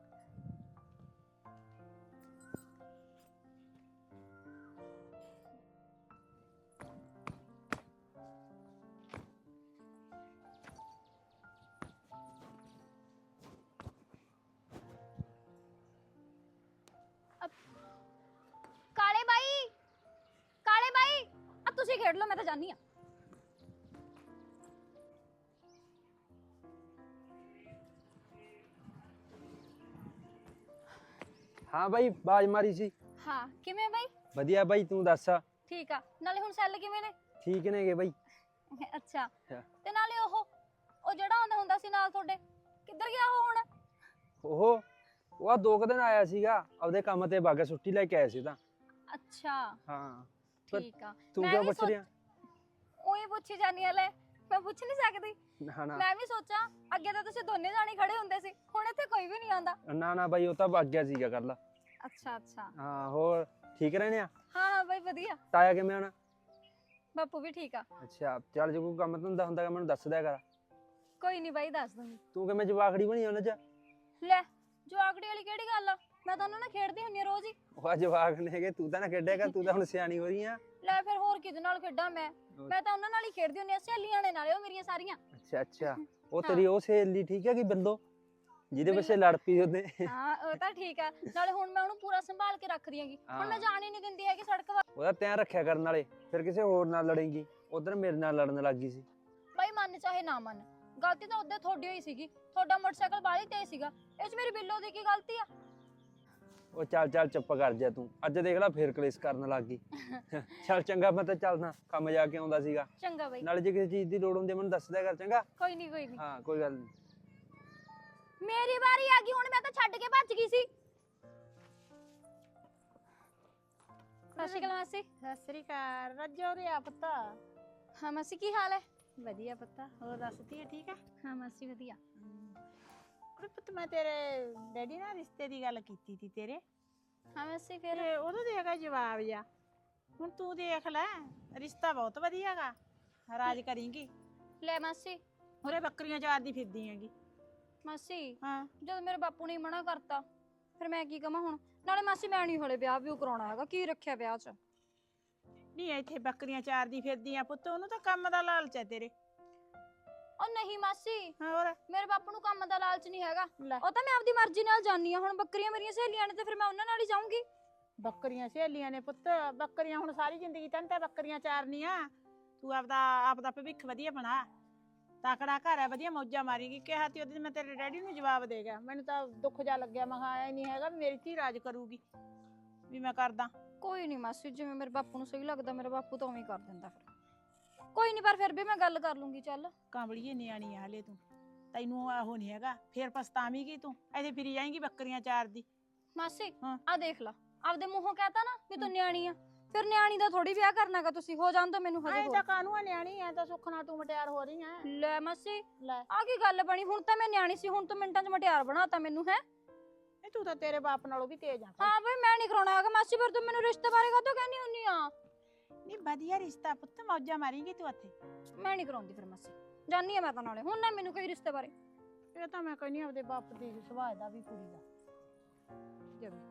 A: ਕਾਲੇ ਬਾਈ ਕਾਲੇ ਬਾਈ ਆ ਤੁਸੀਂ ਖੇਡ ਲਓ ਮੈਂ ਤਾਂ ਜਾਨੀ ਆ
H: ਹਾਂ ਬਾਈ ਬਾਜ ਮਾਰੀ ਸੀ
A: ਹਾਂ ਕਿਵੇਂ ਬਾਈ
H: ਵਧੀਆ ਬਾਈ ਤੂੰ ਦੱਸ
A: ਠੀਕ ਆ ਨਾਲੇ ਹੁਣ ਸੈੱਲ ਕਿਵੇਂ ਨੇ
H: ਠੀਕ ਨੇਗੇ ਬਾਈ
A: ਅੱਛਾ
H: ਅੱਛਾ।
A: ਤੇ ਨਾਲੇ ਉਹ ਉਹ ਜਿਹੜਾ ਆਉਂਦਾ ਹੁੰਦਾ ਸੀ ਨਾਲ ਤੁਹਾਡੇ ਕਿੱਧਰ ਗਿਆ ਉਹ ਹੁਣ
H: ਉਹ ਉਹ ਆ ਦੋ ਕੁ ਦਿਨ ਆਇਆ ਸੀਗਾ ਆਪਦੇ ਕੰਮ ਤੇ ਬਾਗਾ ਛੁੱਟੀ ਲੈ ਕੇ ਆਇਆ ਸੀ ਤਾਂ
A: ਅੱਛਾ
H: ਹਾਂ ਪਰ
A: ਠੀਕ ਆ
H: ਤੂੰ
A: ਮੈਂ
H: ਕਿਉਂ
A: ਵੀ
H: ਪੁੱਛ
A: ਸੋਚ-
H: ਰਿਹਾ
A: ਉਹੀ ਪੁੱਛੀ ਜਾਨੀ ਆ ਲੈ ਮੈਂ ਪੁੱਛ ਨਹੀਂ ਸਕਦੀ
H: ਨਾ ਨਾ
A: ਮੈਂ ਵੀ ਸੋਚਾਂ ਅੱਗੇ ਤਾਂ ਤੁਸੀਂ ਦੋਨੇ ਜਾਣੇ ਖੜੇ ਹੁੰਦੇ ਸੀ ਹੁਣ ਇੱਥੇ ਕੋਈ ਵੀ ਨਹੀਂ ਆਉਂਦਾ
H: ਨਾ ਨਾ ਬਾਈ ਉਹ ਤਾਂ ਵਗ ਗਿਆ ਸੀਗਾ ਕੱਲ
A: ਅੱਛਾ ਅੱਛਾ
H: ਹਾਂ ਹੋਰ ਠੀਕ ਰਹਿਣੇ ਆ
A: ਹਾਂ ਹਾਂ ਬਾਈ ਵਧੀਆ
H: ਤਾਇਆ ਕਿਵੇਂ ਆਣਾ
A: ਬਾਪੂ ਵੀ ਠੀਕ ਆ
H: ਅੱਛਾ ਚੱਲ ਜੇ ਕੋਈ ਕੰਮ ਧੰਦਾ ਹੁੰਦਾ ਮੈਨੂੰ ਦੱਸ ਦਿਆ ਕਰ
A: ਕੋਈ ਨਹੀਂ ਬਾਈ ਦੱਸ ਦੂੰਗੀ
H: ਤੂੰ ਕਿਵੇਂ ਜਵਾਖੜੀ ਬਣੀ ਉਹਨਾਂ ਚ
A: ਲੈ ਜਵਾਕੜੀ ਵਾਲੀ ਕਿਹੜੀ ਗੱਲ ਆ ਮੈਂ ਤਾਂ ਉਹਨਾਂ ਨਾਲ ਖੇਡਦੀ ਹੁੰਨੀ ਆ ਰੋਜ਼ ਹੀ
H: ਉਹ ਆ ਜਵਾਕ ਨੇ ਹੈਗੇ ਤੂੰ ਤਾਂ ਨਾ ਖੇਡਿਆ ਕਰ ਤੂੰ ਤਾਂ ਹੁਣ ਸਿਆਣੀ ਹੋ ਰਹੀ ਆ
A: ਲੈ ਫਿਰ ਹੋਰ ਕਿਹਦੇ ਨਾਲ ਖੇਡਾਂ ਮੈਂ ਮੈਂ ਤਾਂ ਉਹਨਾਂ ਨਾਲ ਹੀ ਖੇਡਦੀ ਹੁੰਨੀ ਆ ਸਹੇਲੀਆਂ ਨੇ ਨਾਲੇ ਉਹ ਮੇਰੀਆਂ ਸਾਰੀਆਂ
H: ਅੱਛਾ ਅੱਛਾ ਉਹ ਤੇਰੀ ਉਹ ਸਹੇਲੀ ਠੀਕ ਹੈ ਕਿ ਬਿੱਲੋ ਜਿਹਦੇ ਪਿੱਛੇ ਲੜ ਪਈ ਉਹਦੇ
A: ਹਾਂ ਉਹ ਤਾਂ ਠੀਕ ਆ ਨਾਲੇ ਹੁਣ ਮੈਂ ਉਹਨੂੰ ਪੂਰਾ ਸੰਭਾਲ ਕੇ ਰੱਖਦੀ ਆਂਗੀ ਹੁਣ ਮੈਂ
H: ਹਾਂ।
A: ਜਾਣ ਹੀ ਨਹੀਂ ਦਿੰਦੀ ਹੈਗੀ ਸੜਕ ਵੱਲ
H: ਉਹਦਾ ਧਿਆਨ ਰੱਖਿਆ ਕਰਨ ਵਾਲੇ ਫਿਰ ਕਿਸੇ ਹੋਰ ਨਾਲ ਲੜੇਂਗੀ ਉਧਰ ਮੇਰੇ ਨਾਲ ਲੜਨ ਲੱਗ ਗਈ ਸੀ
A: ਬਾਈ ਮੰਨ ਚਾਹੇ ਨਾ ਮੰਨ ਗਲਤੀ ਤਾਂ ਉਹਦੇ ਤੁਹਾਡੀ ਹੋਈ ਸੀਗੀ ਤੁਹਾਡਾ ਮੋਟਰਸਾਈਕਲ ਬਾਹਲੀ ਤੇਜ਼ ਸੀਗਾ ਇਹ 'ਚ ਮੇਰੀ ਬਿੱਲੋ ਦੀ ਕੀ ਗਲਤੀ ਆ
H: ਉਹ ਚੱਲ ਚੱਲ ਚੁੱਪ ਕਰ ਜਾ ਤੂੰ ਅੱਜ ਦੇਖ ਲੈ ਫੇਰ ਕਲੇਸ਼ ਕਰਨ ਲੱਗ ਗਈ ਚੱਲ ਚੰਗਾ ਮੈਂ ਤਾਂ ਚੱਲਦਾ ਕੰਮ ਜਾ ਕੇ ਆਉਂਦਾ ਸੀਗਾ
A: ਚੰਗਾ ਬਾਈ
H: ਨਾਲੇ ਜੇ ਕਿਸੇ ਚੀਜ਼ ਦੀ ਲੋੜ ਹੁੰਦੀ ਹੈ ਮੈਨੂੰ ਦੱਸ ਦਿਆ ਕਰ ਚੰਗਾ
A: ਕੋਈ ਨਹੀਂ ਕੋਈ ਨਹੀਂ
H: ਹਾਂ ਕੋਈ ਗੱਲ ਨੀ
A: ਮੇਰੀ ਵਾਰੀ ਆ ਗਈ ਹੁਣ ਮੈਂ ਤਾਂ ਛੱਡ ਕੇ ਭੱਜ ਗਈ ਸੀ ਸਤਿ ਸ਼੍ਰੀ ਅਕਾਲ ਮਾਸੀ
E: ਸਤਿ ਸ੍ਰੀ ਅਕਾਲ ਰੱਜੋ ਰਿਆ ਪੁੱਤ
A: ਹਾਂ ਮਾਸੀ ਕੀ ਹਾਲ ਹੈ
E: ਵਧੀਆ ਪੁੱਤ ਹੋਰ ਦੱਸਦੀ ਠੀਕ ਆ
A: ਹਾਂ ਮਾਸੀ ਵਧੀਆ
E: ਕੁੜੇ ਪੁੱਤ ਮੈਂ ਤੇਰੇ ਡੈਡੀ ਨਾਲ ਰਿਸ਼ਤੇ ਦੀ ਗੱਲ ਕੀਤੀ ਸੀ ਤੇਰੇ
A: ਹਾਂ ਮਾਸੀ ਫਿਰ
I: ਤੇ ਉਹਦਾ ਦੇਗਾ ਜਵਾਬ ਜਾ। ਹੁਣ ਤੂੰ ਦੇਖ ਲੈ, ਰਿਸ਼ਤਾ ਬਹੁਤ ਵਧੀਆਗਾ, ਰਾਜ ਕਰੀਂਗੀ।
A: ਲੈ ਮਾਸੀ
I: ਹੋਰੇ ਬੱਕਰੀਆਂ ਚਾਰ ਦੀ ਫਿਰਦੀ ਹੈਗੀ।
A: ਮਾਸੀ
I: ਹਾਂ
A: ਜਦੋਂ ਮੇਰੇ ਬਾਪੂ ਨੇ ਮਨਾ ਕਰਤਾ ਫਿਰ ਮੈਂ ਕੀ ਕਵਾਂ ਹੁਣ। ਨਾਲੇ ਮਾਸੀ ਮੈਂ ਨਹੀਂ ਹਲੇ ਵਿਆਹ ਵੀ ਕਰਾਉਣਾ ਹੈਗਾ, ਕੀ ਰੱਖਿਆ ਵਿਆਹ 'ਚ।
I: ਨਹੀਂ ਇੱਥੇ ਬੱਕਰੀਆਂ ਚਾਰ ਦੀ ਫਿਰਦੀ ਆ ਪੁੱਤ, ਉਹਨੂੰ ਤਾਂ ਕੰਮ ਦਾ ਲਾਲਚ ਹੈ ਤੇਰੇ।
A: ਉਹ ਨਹੀਂ ਮਾਸੀ
I: ਹੋਰ
A: ਮੇਰੇ ਬਾਪੂ ਨੂੰ ਕੰਮ ਦਾ ਲਾਲਚ ਨਹੀਂ ਹੈਗਾ,
I: ਲੈ
A: ਉਹ ਤਾਂ ਮੈਂ ਆਪਦੀ ਮਰਜ਼ੀ ਨਾਲ ਜਾਨੀ ਆ। ਹੁਣ ਬੱਕਰੀਆਂ ਮੇਰੀਆਂ ਸਹੇਲੀਆਂ ਨੇ ਤੇ ਫਿਰ ਮੈਂ ਉਹਨਾਂ ਨਾਲ ਹੀ ਜਾਊਂਗੀ।
I: ਬੱਕਰੀਆਂ ਸਹੇਲੀਆਂ ਨੇ ਪੁੱਤ, ਬੱਕਰੀਆਂ ਹੁਣ ਸਾਰੀ ਜ਼ਿੰਦਗੀ ਤੈਨੂੰ ਤਾਂ ਬੱਕਰੀਆਂ ਚਾਰਨੀਆਂ। ਤੂੰ ਆਪਦਾ ਆਪਦਾ ਭਵਿੱਖ ਵਧੀਆ ਬਣਾ, ਤਾਕੜਾ ਘਰ ਹੈ, ਵਧੀਆ ਮੌਜਾਂ ਮਾਰੀਗੀ। ਕਿਹਾ ਤੀ ਉਹਦੇ ਮੈਂ ਤੇਰੇ ਡੈਡੀ ਨੂੰ ਜਵਾਬ ਦੇ ਗਿਆ। ਮੈਨੂੰ ਤਾਂ ਦੁੱਖ ਜਾ ਲੱਗਿਆ, ਮੈਂ ਕਿਹਾ ਐ ਨਹੀਂ ਹੈਗਾ ਵੀ ਮੇਰੀ ਧੀ ਰਾਜ ਕਰੂਗੀ ਵੀ ਮੈਂ ਕਰਦਾ।
A: ਕੋਈ ਨਹੀਂ ਮਾਸੀ, ਜਿਵੇਂ ਮੇਰੇ ਬਾਪੂ ਨੂੰ ਸਹੀ ਲੱਗਦਾ ਮੇਰਾ ਬਾਪੂ ਤਾਂ ਉਵੇਂ ਹੀ ਕਰ ਦਿੰਦਾ। ਫਿਰ ਕੋਈ ਨਹੀਂ, ਪਰ ਫਿਰ ਵੀ ਮੈਂ ਗੱਲ ਕਰ ਲੂੰਗੀ। ਚੱਲ
I: ਕਾਂਬੜੀਏ ਨਿਆਣੀ ਆ ਹਲੇ ਤੂੰ, ਤੈਨੂੰ ਉਹ ਨਹੀਂ ਹੈਗਾ, ਫੇਰ ਪਛਤਾਵੇਂਗੀ ਤੂੰ। ਐਸੇ ਫਿਰੀ ਜਾਏਂਗੀ ਬੱਕਰੀਆਂ ਚਾਰ ਦੀ।
A: ਮਾਸੀ
I: ਹਾਂ।
A: ਆ ਦੇਖ ਲਾ, ਆਪਦੇ ਮੂੰਹੋਂ ਕਹਤਾ ਨਾ ਵੀ ਤੂੰ ਨਿਆਣੀ ਆ, ਫਿਰ ਨਿਆਣੀ ਦਾ ਥੋੜੀ ਵਿਆਹ ਕਰਨਾਗਾ ਤੁਸੀਂ। ਹੋ ਜਾਣ ਤਾਂ ਮੈਨੂੰ ਹਜੇ
I: ਐ
A: ਹੋਰ।
I: ਤਾਂ ਕਾਹਨੂੰ ਆ ਨਿਆਣੀ, ਐ ਤਾਂ ਸੁੱਖ ਨਾਲ ਤੂੰ ਮਟਿਆਰ ਹੋ ਰਹੀ ਐ।
A: ਲੈ ਮਾਸੀ
I: ਲੈ
A: ਆ ਕੀ ਗੱਲ ਬਣੀ, ਹੁਣ ਤਾਂ ਮੈਂ ਨਿਆਣੀ ਸੀ, ਹੁਣ ਤੂੰ ਮਿੰਟਾਂ 'ਚ ਮਟਿਆਰ ਬਣਾਤਾ ਮੈਨੂੰ। ਹੈ
I: ਇਹ ਤੂੰ ਤਾਂ ਤੇਰੇ ਬਾਪ ਨਾਲੋਂ ਵੀ ਤੇਜ਼ ਆ।
A: ਹਾਂ ਬਈ ਮੈਂ ਨਹੀਂ ਕਰਾਉਣਾ ਹੈਗਾ ਮਾਸੀ, ਫਿਰ ਤੂੰ ਮੈਨੂੰ ਰਿਸ਼ਤੇ ਬਾਰੇ ਕਾਹਤੋਂ ਕਹਿੰਦੀ ਹੁੰਨੀ ਆ।
I: ਨਹੀਂ ਵਧੀਆ ਰਿਸ਼ਤਾ ਪੁੱਤ, ਮੌਜਾਂ ਮਾਰੀਂਗੀ ਤੂੰ ਇੱਥੇ।
A: ਮੈਂ ਨਹੀਂ ਕਰਾਉਂਦੀ ਫਿਰ ਮਾਸੀ, ਜਾਨੀ ਆ ਮੈਂ ਤਾਂ। ਨਾਲੇ ਹੁਣ ਨਾ ਮੈਨੂੰ ਕੋਈ ਰਿਸ਼ਤੇ ਬਾਰੇ।
I: ਇਹ ਤਾਂ ਮੈਂ ਕਹਿੰਦੀ ਆਪਦੇ ਬਾਪ ਦੀ ਸੁਭਾਅ ਦਾ ਵੀ ਕੁੜੀ ਦਾ ਜਮੀ।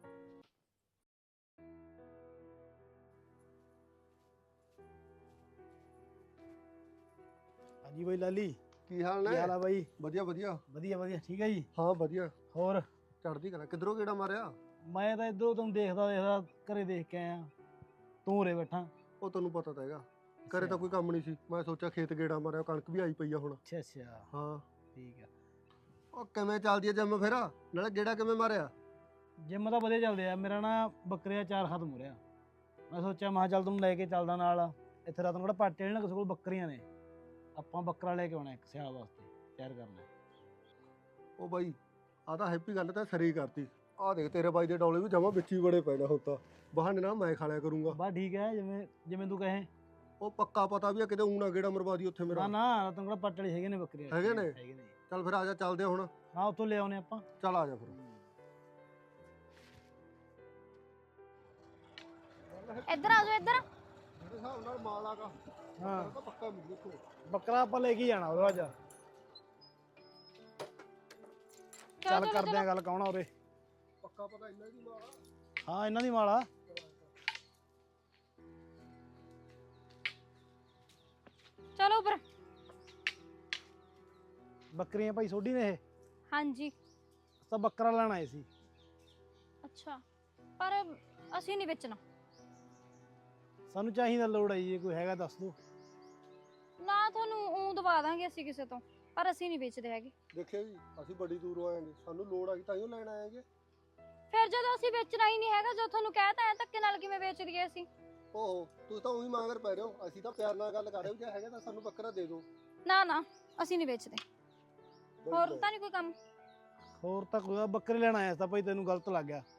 C: ਹਾਂਜੀ ਬਾਈ ਲਾਲੀ,
B: ਕੀ ਹਾਲ
C: ਕੀ
B: ਨੇ?
C: ਹਾਲ ਆ ਬਾਈ?
B: ਵਧੀਆ ਵਧੀਆ।
C: ਵਧੀਆ ਵਧੀਆ, ਠੀਕ ਹੈ ਜੀ।
B: ਹਾਂ ਵਧੀਆ,
C: ਹੋਰ
B: ਚੜ੍ਹਦੀ ਕਲਾ। ਕਿੱਧਰੋਂ ਕਿਹੜਾ ਮਾਰਿਆ?
C: ਮੈਂ ਤਾਂ ਇਧਰੋਂ ਤੁਹਾਨੂੰ ਦੇਖਦਾ ਦੇਖਦਾ ਘਰੇ ਦੇਖ ਕੇ ਆਇਆ, ਤੂੰ ਉਰੇ ਬੈਠਾ।
B: ਉਹ ਤੈਨੂੰ ਪਤਾ ਤਾਂ ਹੈਗਾ, ਘਰੇ ਤਾਂ ਕੋਈ ਕੰਮ ਨਹੀਂ ਸੀ। ਮੈਂ ਸੋਚਿਆ ਖੇਤ ਗੇੜਾ ਮਾਰਿਆ, ਕਣਕ ਵੀ ਆਈ ਪਈ ਆ ਹੁਣ।
C: ਅੱਛਾ ਅੱਛਾ,
B: ਹਾਂ
C: ਠੀਕ ਆ।
B: ਉਹ ਕਿਵੇਂ ਚੱਲਦੀ ਆ ਜਿੰਮ ਫਿਰ? ਨਾਲੇ ਗੇੜਾ ਕਿਵੇਂ ਮਾਰਿਆ?
C: ਜਿੰਮ ਤਾਂ ਵਧੀਆ ਚੱਲਦੇ ਆ, ਮੇਰਾ ਨਾ ਬੱਕਰੀਆਂ ਚਾਰ ਖਤਮ ਹੋ ਰਿਹਾ। ਮੈਂ ਸੋਚਿਆ ਮੈਂ ਕਿਹਾ ਚੱਲ ਤੈਨੂੰ ਲੈ ਕੇ ਚੱਲਦਾ ਨਾਲ। ਇੱਥੇ ਰਾਤ ਨੂੰ ਕਿਹੜਾ ਪਾਟੇ ਨੇ ਨਾ, ਕਿਸੇ ਕੋਲ ਬੱਕਰੀਆਂ ਨੇ, ਆਪਾਂ ਬੱਕਰਾ ਲੈ ਕੇ ਆਉਣਾ ਇੱਕ ਸਿਆਲ ਵਾਸਤੇ, ਤਿਆਰ ਕਰਨਾ।
B: ਉਹ ਬਾਈ ਆ ਤਾਂ ਹੈਪੀ ਗੱਲ ਤਾਂ ਸਰੀ ਕਰਤੀ। ਆ ਦੇਖ ਤੇਰੇ ਬਾਈ ਦੇ ਡੌਲੇ ਵੀ ਜਮਾ ਵਿੱਚ ਹੀ ਬੜੇ ਪੈਣਾ ਹੁੰਦਾ। ਬਹਾਨੇ ਨਾਲ ਮੈਂ ਖਾ ਲਿਆ ਕਰੂੰਗਾ।
C: ਬਸ ਠੀਕ ਹੈ, ਜਿਵੇਂ ਜਿਵੇਂ ਤੂੰ ਕਹੇ।
B: ਉਹ ਪੱਕਾ ਪਤਾ ਵੀ ਆ, ਕਿਤੇ ਊਣਾ ਗੇੜਾ ਮਰਵਾ ਦੀ ਉੱਥੇ
C: ਨਾ
B: ਮੇਰਾ।
C: ਨਾ, ਰਾਤ ਨੂੰ ਕਿਹੜਾ ਪਾਟੇ ਹੈਗੇ ਨੇ ਬੱਕਰੀਆਂ?
B: ਹੈਗੇ ਨੇ?
C: ਹੈਗੇ ਨੇ।
B: ਚੱਲ ਫਿਰ ਆ ਜਾ, ਚੱਲਦੇ ਆ ਹੁਣ।
C: ਹਾਂ ਉੱਥੋਂ ਲੈ ਆਉਨੇ ਆਪਾਂ।
B: ਚੱਲ ਆ ਜਾ ਫਿਰ।
A: ਇੱਧਰ ਆ ਜਾਓ, ਇੱਧਰ।
B: ਮੇਰੇ ਹਿਸਾਬ ਨਾਲ ਮਾਲ ਆਗਾ।
C: ਹਾਂ
B: ਤਾਂ ਪੱਕਾ ਮਿਲ ਦੇਖੋ।
C: ਬੱਕਰਾ ਆਪਾਂ ਲੈ ਕੇ ਜਾਣਾ ਉਹਦਾ ਅੱਜ। ਚੱਲ
A: ਚਲੋ,
C: ਕਰਦੇ ਆ ਗੱਲ, ਕੌਣ ਆ ਉਰੇ?
B: ਪੱਕਾ ਪਤਾ ਇੰਨਾ ਹੀ ਮਾਲ ਆ।
C: ਹਾਂ ਇਹਨਾਂ ਦੀ ਮਾਲ ਆ।
A: ਚਲੋ ਉੱਪਰ।
C: ਬੱਕਰੀਆਂ ਭਾਈ ਸੋਢੀ ਨੇ ਇਹ?
A: ਹਾਂਜੀ
C: ਤਾਂ ਬੱਕਰਾ ਲੈਣ ਆਏ ਸੀ।
A: ਅੱਛਾ, ਪਰ ਅਸੀਂ ਨਹੀਂ ਵੇਚਣਾ।
C: ਸਾਨੂੰ ਚਾਹੀਦਾ, ਲੋੜ ਆਈ, ਜੇ ਕੋਈ ਹੈਗਾ ਦੱਸ ਦੋ।
A: ਨਾ ਤੁਹਾਨੂੰ ਊਂ ਦਵਾ ਦਾਂਗੇ ਅਸੀਂ ਕਿਸੇ ਤੋਂ, ਪਰ ਅਸੀਂ ਨਹੀਂ ਵੇਚਦੇ ਹੈਗੇ।
B: ਦੇਖਿਆ ਜੀ, ਅਸੀਂ ਬੜੀ ਦੂਰੋਂ ਆਏਗੇ, ਸਾਨੂੰ ਲੋੜ ਆ ਗਈ ਤਾਂ ਹੀ ਲੈਣ ਆਏਗੇ।
A: ਫਿਰ ਜਦੋਂ ਅਸੀਂ ਵੇਚਣਾ ਹੀ ਨਹੀਂ ਹੈਗਾ, ਜੋ ਤੁਹਾਨੂੰ ਕਹਿਤਾ ਹੈ, ਧੱਕੇ ਨਾਲ ਕਿਵੇਂ ਵੇਚ ਦਈਏ ਅਸੀਂ?
B: ਓਹੋ ਤੁਸੀਂ ਤਾਂ ਉਹੀ ਮੰਗਰ ਪੈ ਰਹੇ ਹੋ। ਅਸੀਂ ਤਾਂ ਪਿਆਰ ਨਾਲ ਗੱਲ ਕਰ ਰਹੇ ਹੋ, ਜੇ ਹੈਗਾ ਤਾਂ ਸਾਨੂੰ ਬੱਕਰਾ ਦੇ ਦਿਓ।
A: ਨਾ ਨਾ ਅਸੀਂ ਨਹੀਂ ਵੇਚਦੇ। ਹੋਰ ਤਾਂ ਨਹੀਂ ਕੋਈ ਕੰਮ?
C: ਹੋਰ ਤਾਂ ਕੋਈ, ਬੱਕਰੇ ਲੈਣ ਆਇਆ ਸੀ ਤਾਂ ਭਾਈ, ਤੈਨੂੰ ਗਲਤ ਲੱਗ ਗਿਆ।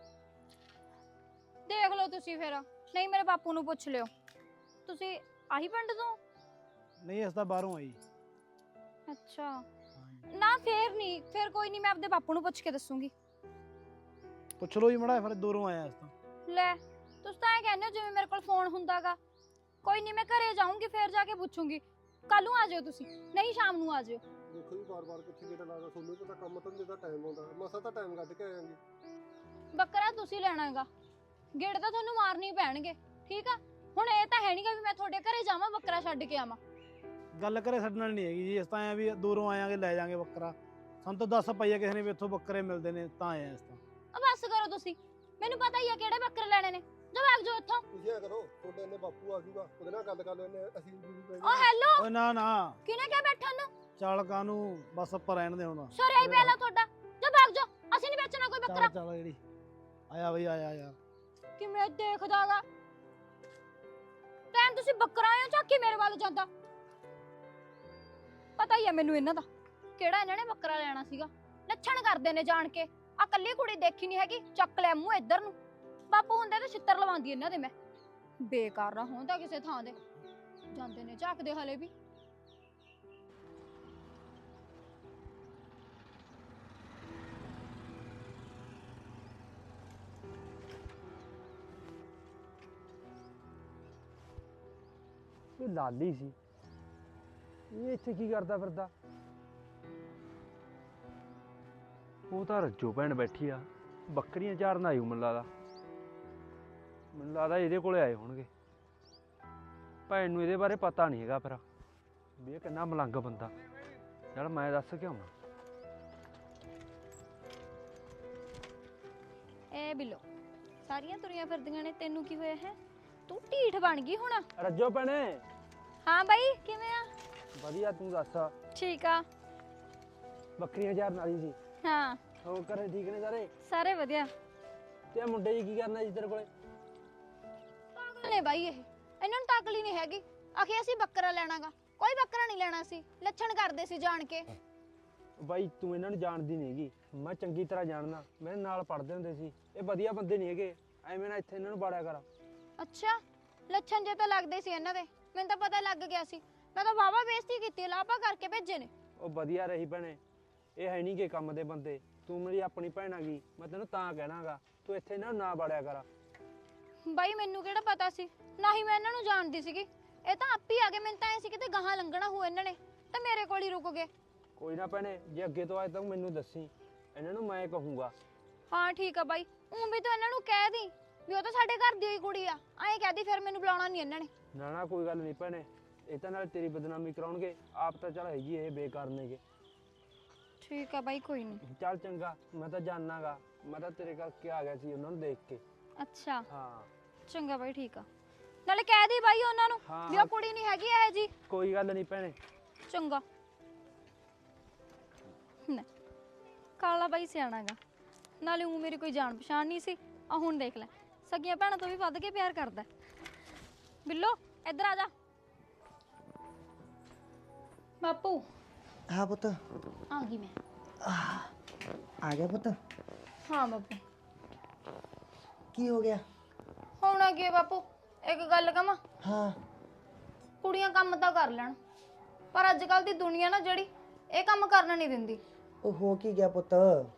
A: ਦੇਖ ਲਓ ਤੁਸੀਂ ਫਿਰ, ਨਹੀਂ ਮੇਰੇ ਬਾਪੂ ਨੂੰ ਪੁੱਛ ਲਿਓ। ਤੁਸੀਂ ਆਹੀ ਪਿੰਡ ਤੋਂ?
C: ਨਹੀਂ ਇਸ ਤਾਂ ਬਾਹਰੋਂ ਆਈ।
A: ਅੱਛਾ, ਨਾ ਫੇਰ ਨਹੀਂ, ਫਿਰ ਕੋਈ ਨਹੀਂ, ਮੈਂ ਆਪਦੇ ਬਾਪੂ ਨੂੰ ਪੁੱਛ ਕੇ ਦੱਸੂਗੀ।
C: ਪੁੱਛ ਲੋ ਜੀ ਮੜਾ, ਫਿਰ ਦੂਰੋਂ ਆਇਆ ਇਸ ਤਾਂ।
A: ਲੈ ਤੁਸੀਂ ਤਾਂ ਇਹ ਕਹਿੰਦੇ ਹੋ ਜਿਵੇਂ ਮੇਰੇ ਕੋਲ ਫੋਨ ਹੁੰਦਾਗਾ। ਕੋਈ ਨਹੀਂ, ਮੈਂ ਘਰੇ ਜਾਊਂਗੀ, ਫੇਰ ਜਾ ਕੇ ਪੁੱਛੂੰਗੀ। ਕੱਲ ਨੂੰ ਆ ਜਾਇਓ ਤੁਸੀਂ, ਨਹੀਂ ਸ਼ਾਮ ਨੂੰ ਆ ਜਾਇਓ।
B: ਦੇਖੋ ਜੀ ਬਾਰ-ਬਾਰ ਕਿੱਥੇ ਗੇੜਾ ਲਾਦਾ, ਤੁਹਾਨੂੰ ਪਤਾ ਕੰਮ ਧੰਦੇ ਦਾ ਟਾਈਮ ਆਉਂਦਾ, ਮਸਾ ਤਾਂ ਟਾਈਮ ਕੱਢ ਕੇ ਆਵਾਂਗੇ।
A: ਬੱਕਰਾ ਤੁਸੀਂ ਲੈਣਾ ਹੈਗਾ, ਗੇੜੇ ਤਾਂ ਤੁਹਾਨੂੰ ਮਾਰਨੇ ਹੀ ਪੈਣਗੇ, ਠੀਕ ਆ? ਹੁਣ ਇਹ ਤਾਂ ਹੈ ਨਹੀਂਗਾ ਵੀ ਮੈਂ ਤੁਹਾਡੇ ਘਰੇ ਜਾਵਾਂ ਬੱਕਰਾ ਛੱਡ ਕੇ ਆਵਾਂ।
C: ਗੱਲ ਕਰੇ ਸਾਡੇ ਨਾਲ ਨਹੀਂ ਹੈਗੀ ਜੀ, ਇਸ ਤਾਂ ਐ ਵੀ ਦੂਰੋਂ ਆਇਆਂਗੇ, ਲੈ ਜਾਾਂਗੇ ਬੱਕਰਾ। ਸਾਨੂੰ ਤਾਂ ਦੱਸ ਪਈਆ ਕਿਸੇ ਨੇ ਵੀ ਇੱਥੋਂ ਬੱਕਰੇ ਮਿਲਦੇ ਨੇ, ਤਾਂ ਆਇਆ ਇਸ ਤਾਂ।
A: ਆ ਬਸ ਕਰੋ ਤੁਸੀਂ, ਮੈਨੂੰ ਪਤਾ ਹੀ ਆ ਕਿਹੜੇ ਬੱਕਰੇ ਲੈਣੇ ਨੇ। ਜਾ ਭਾਗ ਜਾਓ ਇੱਥੋਂ।
B: ਤੁਸੀਂ ਐ ਕਰੋ, ਤੁਹਾਡੇ ਇੰਨੇ ਬਾਪੂ ਆ ਜੂਗਾ, ਉਹਦੇ ਨਾਲ ਗੱਲ ਕਰ ਲੈਣੇ, ਅਸੀਂ ਵੀ ਪੈ
A: ਓ ਹੈਲੋ,
C: ਓਏ ਨਾ ਨਾ,
A: ਕਿਹਨੇ ਕਿਹਾ ਬੈਠਣ ਨੂੰ?
C: ਚੱਲ ਕਾਨੂੰ, ਬਸ ਆਪਾਂ ਰਹਿਣ ਦੇ ਹੁਣ।
A: ਸਰਿਆ ਹੀ ਪਹਿਲਾਂ ਤੁਹਾਡਾ। ਜਾ ਭਾਗ ਜਾਓ, ਅਸੀਂ ਨਹੀਂ ਵੇਚਣਾ ਕੋਈ ਬੱਕਰਾ।
C: ਚੱਲ ਚੱਲ ਜਿਹੜੀ ਆਇਆ ਬਈ, ਆਇਆ ਆਇਆ।
A: ਕਿਵੇਂ ਦੇਖਦਾਗਾ ਟਾਈਮ, ਤੁਸੀਂ ਬੱਕਰਾ ਆਇਓ ਝਾਕੀ ਮੇਰੇ ਵੱਲ ਜਾਂਦਾ। ਪਤਾ ਹੀ ਆ ਮੈਨੂੰ ਇਹਨਾਂ ਦਾ, ਕਿਹੜਾ ਇਹਨਾਂ ਨੇ ਬੱਕਰਾ ਲੈਣਾ ਸੀਗਾ। ਲੱਛਣ ਕਰਦੇ ਨੇ ਜਾਣ ਕੇ। ਆ ਕੱਲੀ ਕੁੜੀ ਦੇਖੀ ਨਹੀਂ ਹੈਗੀ, ਚੱਕ ਲੈ ਮੂੰਹ ਇੱਧਰ ਨੂੰ। ਬਾਪੂ ਹੁੰਦੇ ਤੇ ਛਿੱਤਰ ਲਵਾਉਂਦੀ ਇਹਨਾਂ ਦੇ ਮੈਂ। ਬੇਕਾਰ ਨਾ ਹੁੰਦਾ ਕਿਸੇ ਥਾਂ ਦੇ, ਜਾਂਦੇ ਨੇ ਝਾਕਦੇ ਹਲੇ ਵੀ।
H: ਇਹ ਲਾਲੀ ਸੀ, ਇਹ ਇੱਥੇ ਕੀ ਕਰਦਾ ਫਿਰਦਾ? ਉਹ ਤਾਂ ਰੱਜੋ ਭੈਣ ਬੈਠੀ ਆ, ਬੱਕਰੀਆਂ ਚਾਰਨ ਆਈ ਮੈਨੂੰ ਲੱਗਦਾ। ਮੈਨੂੰ ਲੱਗਦਾ ਇਹਦੇ ਕੋਲੇ ਆਏ ਹੋਣਗੇ। ਭੈਣ ਨੂੰ ਇਹਦੇ ਬਾਰੇ ਪਤਾ ਨਹੀਂ ਹੈਗਾ ਫਿਰ ਵੀ ਇਹ ਕਿੰਨਾ ਮਲੰਗ ਬੰਦਾ। ਚੱਲ ਮੈਂ ਦੱਸ ਕੇ ਆਉਣਾ।
A: ਐ ਬਿੱਲੋ, ਸਾਰੀਆਂ ਤੁਰੀਆਂ ਫਿਰਦੀਆਂ ਨੇ, ਤੈਨੂੰ ਕੀ ਹੋਇਆ ਹੈ? ਤੂੰ ਢੀਠ ਬਣ ਗਈ ਹੁਣ।
H: ਰੱਜੋ ਭੈਣੇ।
A: ਹਾਂ ਬਾਈ, ਕਿਵੇਂ ਆ?
H: ਵਧੀਆ, ਤੂੰ ਦੱਸ।
A: ਠੀਕ ਆ।
H: ਬੱਕਰੀਆਂ ਚਾਰਨ ਆਈ ਸੀ।
A: ਹਾਂ,
H: ਹੋਰ ਘਰੇ ਠੀਕ ਨੇ ਸਾਰੇ?
A: ਸਾਰੇ ਵਧੀਆ।
H: ਤੇ ਇਹ ਮੁੰਡੇ ਜੀ ਕੀ ਕਰਨਾ ਜੀ ਤੇਰੇ ਕੋਲੇ?
A: ਪਾਗਲ ਨੇ ਬਾਈ ਇਹ, ਇਹਨਾਂ ਨੂੰ ਤਾਕਲ ਹੀ ਨਹੀਂ ਹੈਗੀ। ਆਖੇ ਅਸੀਂ ਬੱਕਰਾ ਲੈਣਾਗਾ, ਕੋਈ ਬੱਕਰਾ ਨਹੀਂ ਲੈਣਾ ਸੀ। ਲੱਛਣ ਕਰਦੇ ਸੀ ਜਾਣ ਕੇ।
H: ਬਾਈ ਤੂੰ ਇਹਨਾਂ ਨੂੰ ਜਾਣਦੀ ਨਹੀਂ ਹੈਗੀ, ਮੈਂ ਚੰਗੀ ਤਰ੍ਹਾਂ ਜਾਣਦਾ। ਮੇਰੇ ਨਾਲ ਪੜ੍ਹਦੇ ਹੁੰਦੇ ਸੀ। ਇਹ ਵਧੀਆ ਬੰਦੇ ਨਹੀਂ ਹੈਗੇ, ਐਵੇਂ ਨਾ ਇੱਥੇ ਇਹਨਾਂ ਨੂੰ ਬਾੜਿਆ ਕਰ।
A: ਅੱਛਾ, ਲੱਛਣ ਜੇ ਤਾਂ ਲੱਗਦੇ ਸੀ ਇਹਨਾਂ ਦੇ, ਮੈਨੂੰ ਤਾਂ ਪਤਾ ਲੱਗ ਗਿਆ ਸੀ। ਮੈਂ ਤਾਂ ਵਾਵਾ ਬੇਇੱਜ਼ਤੀ ਕੀਤੀ, ਲਾਪਾ ਕਰਕੇ ਭੇਜੇ ਨੇ।
H: ਉਹ ਵਧੀਆ ਰਹੀ ਭੈਣੇ, ਇਹ ਹੈ ਨਹੀਂ ਕਿ ਕੰਮ ਦੇ ਬੰਦੇ। ਤੂੰ ਮੇਰੀ ਆਪਣੀ ਭੈਣ ਆ ਗਈ, ਮੈਂ ਤੈਨੂੰ ਤਾਂ ਕਹਿਣਾਗਾ ਤੂੰ ਇੱਥੇ ਇਹਨਾਂ ਨੂੰ ਨਾ ਬਾੜਿਆ ਕਰ।
A: ਬਾਈ ਮੈਨੂੰ ਕਿਹੜਾ ਪਤਾ ਸੀ, ਨਾ ਹੀ ਮੈਂ ਇਹਨਾਂ ਨੂੰ ਜਾਣਦੀ ਸੀਗੀ। ਇਹ ਤਾਂ ਆਪ ਹੀ ਆ ਗਏ, ਮੈਨੂੰ ਤਾਂ ਐ ਸੀ ਕਿਤੇ ਗਾਹਾਂ ਲੰਘਣਾ ਹੋ ਇਹਨਾਂ ਨੇ, ਤਾਂ ਮੇਰੇ ਕੋਲ ਹੀ ਰੁਕ ਗਏ।
H: ਕੋਈ ਨਾ ਭੈਣੇ, ਜੇ ਅੱਗੇ ਤੋਂ ਆਏ ਤਾਂ ਮੈਨੂੰ ਦੱਸੀ, ਇਹਨਾਂ ਨੂੰ ਮੈਂ ਕਹੂੰਗਾ।
A: ਹਾਂ ਠੀਕ ਆ ਬਾਈ, ਉਂ ਵੀ ਤੂੰ ਇਹਨਾਂ ਨੂੰ ਕਹਿ ਦੀ ਵੀ ਉਹ ਤਾਂ ਸਾਡੇ ਘਰ ਦੀ ਹੋਈ ਕੁੜੀ ਆ। ਐਂ ਕਹਿ ਦੀ, ਫਿਰ ਮੈਨੂੰ ਬੁਲਾਉਣਾ ਨਹੀਂ ਇਹਨਾਂ ਨੇ।
H: ਨਾ ਨਾ ਕੋਈ ਗੱਲ ਨਹੀਂ ਭੈਣੇ, ਇਹ ਤਾਂ ਨਾਲ ਤੇਰੀ ਬਦਨਾਮੀ ਕਰਾਉਣਗੇ। ਆਪ ਤਾਂ ਚੱਲ ਹੈਗੀ ਇਹ ਬੇਕਾਰ ਨੇਗੇ।
A: ਠੀਕ ਆ ਬਾਈ, ਕੋਈ ਨਹੀਂ।
H: ਚੱਲ ਚੰਗਾ, ਮੈਂ ਤਾਂ ਜਾਣਾਗਾ। ਮੈਂ ਤਾਂ ਤੇਰੇ ਕਰਕੇ ਆ ਗਿਆ ਸੀ ਉਹਨਾਂ ਨੂੰ ਦੇਖ ਕੇ।
A: ਅੱਛਾ
H: ਹਾਂ
A: ਚੰਗਾ ਬਾਈ, ਠੀਕ ਆ। ਨਾਲੇ ਕਹਿ ਦੀ ਬਾਈ ਉਹਨਾਂ ਨੂੰ
H: ਹਾਂ,
A: ਵੀ ਉਹ ਕੁੜੀ ਨਹੀਂ ਹੈਗੀ ਇਹ ਜੀ।
H: ਕੋਈ ਗੱਲ ਨਹੀਂ ਭੈਣੇ।
A: ਚੰਗਾ। ਨਾ ਕਾਲਾ ਬਾਈ ਸਿਆਣਾਗਾ, ਨਾਲੇ ਉਹ ਮੇਰੀ ਕੋਈ ਜਾਣ ਪਛਾਣ ਨਹੀਂ ਸੀ। ਆ ਹੁਣ ਦੇਖ ਲੈ, ਸਗੀਆਂ ਭੈਣਾਂ ਤੋਂ ਵੀ ਵੱਧ ਕੇ ਪਿਆਰ ਕਰਦਾ। ਬਿੱਲੋ ਇੱਧਰ ਆ ਜਾ। ਬਾਪੂ।
F: ਹਾਂ ਪੁੱਤ।
A: ਆ ਗਈ ਮੈਂ।
F: ਆ ਗਿਆ ਪੁੱਤ।
A: ਹਾਂ ਬਾਪੂ।
F: ਕੀ ਹੋ ਗਿਆ?
A: ਹੋਣਾ ਕੀ ਹੈ ਬਾਪੂ, ਇੱਕ ਗੱਲ ਕਵਾਂ?
F: ਹਾਂ।
A: ਕੁੜੀਆਂ ਕੰਮ ਤਾਂ ਕਰ ਲੈਣ, ਪਰ ਅੱਜ ਕੱਲ ਦੀ ਦੁਨੀਆ ਨਾ ਜਿਹੜੀ, ਇਹ ਕੰਮ ਕਰਨਾ ਨਹੀਂ ਦਿੰਦੀ।
F: ਉਹ ਹੋ ਕੀ ਗਿਆ ਪੁੱਤ?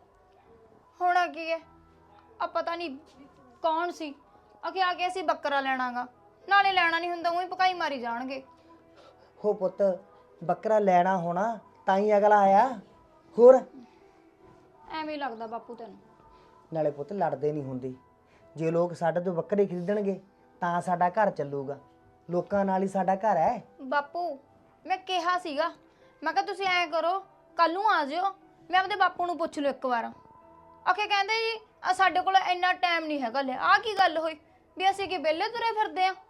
A: ਹੋਣਾ ਕੀ ਹੈ, ਆ ਪਤਾ ਨਹੀਂ ਕੌਣ ਸੀ, ਅਖੇ ਆ ਕੇ ਅਸੀਂ ਬੱਕਰਾ ਲੈਣਾਗਾ। ਨਾਲੇ ਲੈਣਾ ਨਹੀਂ ਹੁੰਦਾ, ਉਹੀ ਪਕਾਈ ਮਾਰੀ ਜਾਣਗੇ।
F: ਹੋ ਪੁੱਤ, ਬੱਕਰਾ ਲੈਣਾ ਹੋਣਾ ਤਾਂ ਹੀ ਅਗਲਾ ਆਇਆ। ਹੋਰ
A: ਐਵੇਂ ਹੀ ਲੱਗਦਾ ਬਾਪੂ ਤੈਨੂੰ।
F: ਨਾਲੇ ਪੁੱਤ ਲੜਦੇ ਨਹੀਂ ਹੁੰਦੇ। ਜੇ ਲੋਕ ਸਾਡੇ ਤੋਂ ਬੱਕਰੇ ਖਰੀਦਣਗੇ ਤਾਂ ਸਾਡਾ ਘਰ ਚੱਲੂਗਾ। ਲੋਕਾਂ ਨਾਲ ਹੀ ਸਾਡਾ ਘਰ ਹੈ।
A: ਬਾਪੂ ਮੈਂ ਕਿਹਾ ਸੀਗਾ, ਮੈਂ ਕਿਹਾ ਤੁਸੀਂ ਐਂ ਕਰੋ, ਕੱਲ ਨੂੰ ਆ ਜਿਓ, ਮੈਂ ਆਪਦੇ ਬਾਪੂ ਨੂੰ ਪੁੱਛ ਲਓ ਇੱਕ ਵਾਰ। ਆਖੇ ਕਹਿੰਦੇ ਜੀ ਆ ਸਾਡੇ ਕੋਲ ਇੰਨਾ ਟਾਈਮ ਨਹੀਂ ਹੈਗਾ। ਲੈ ਆ ਕੀ ਗੱਲ ਹੋਈ ਵੀ ਅਸੀਂ ਕੀ ਵਿਹਲੇ ਤੁਰੇ ਫਿਰਦੇ ਆ?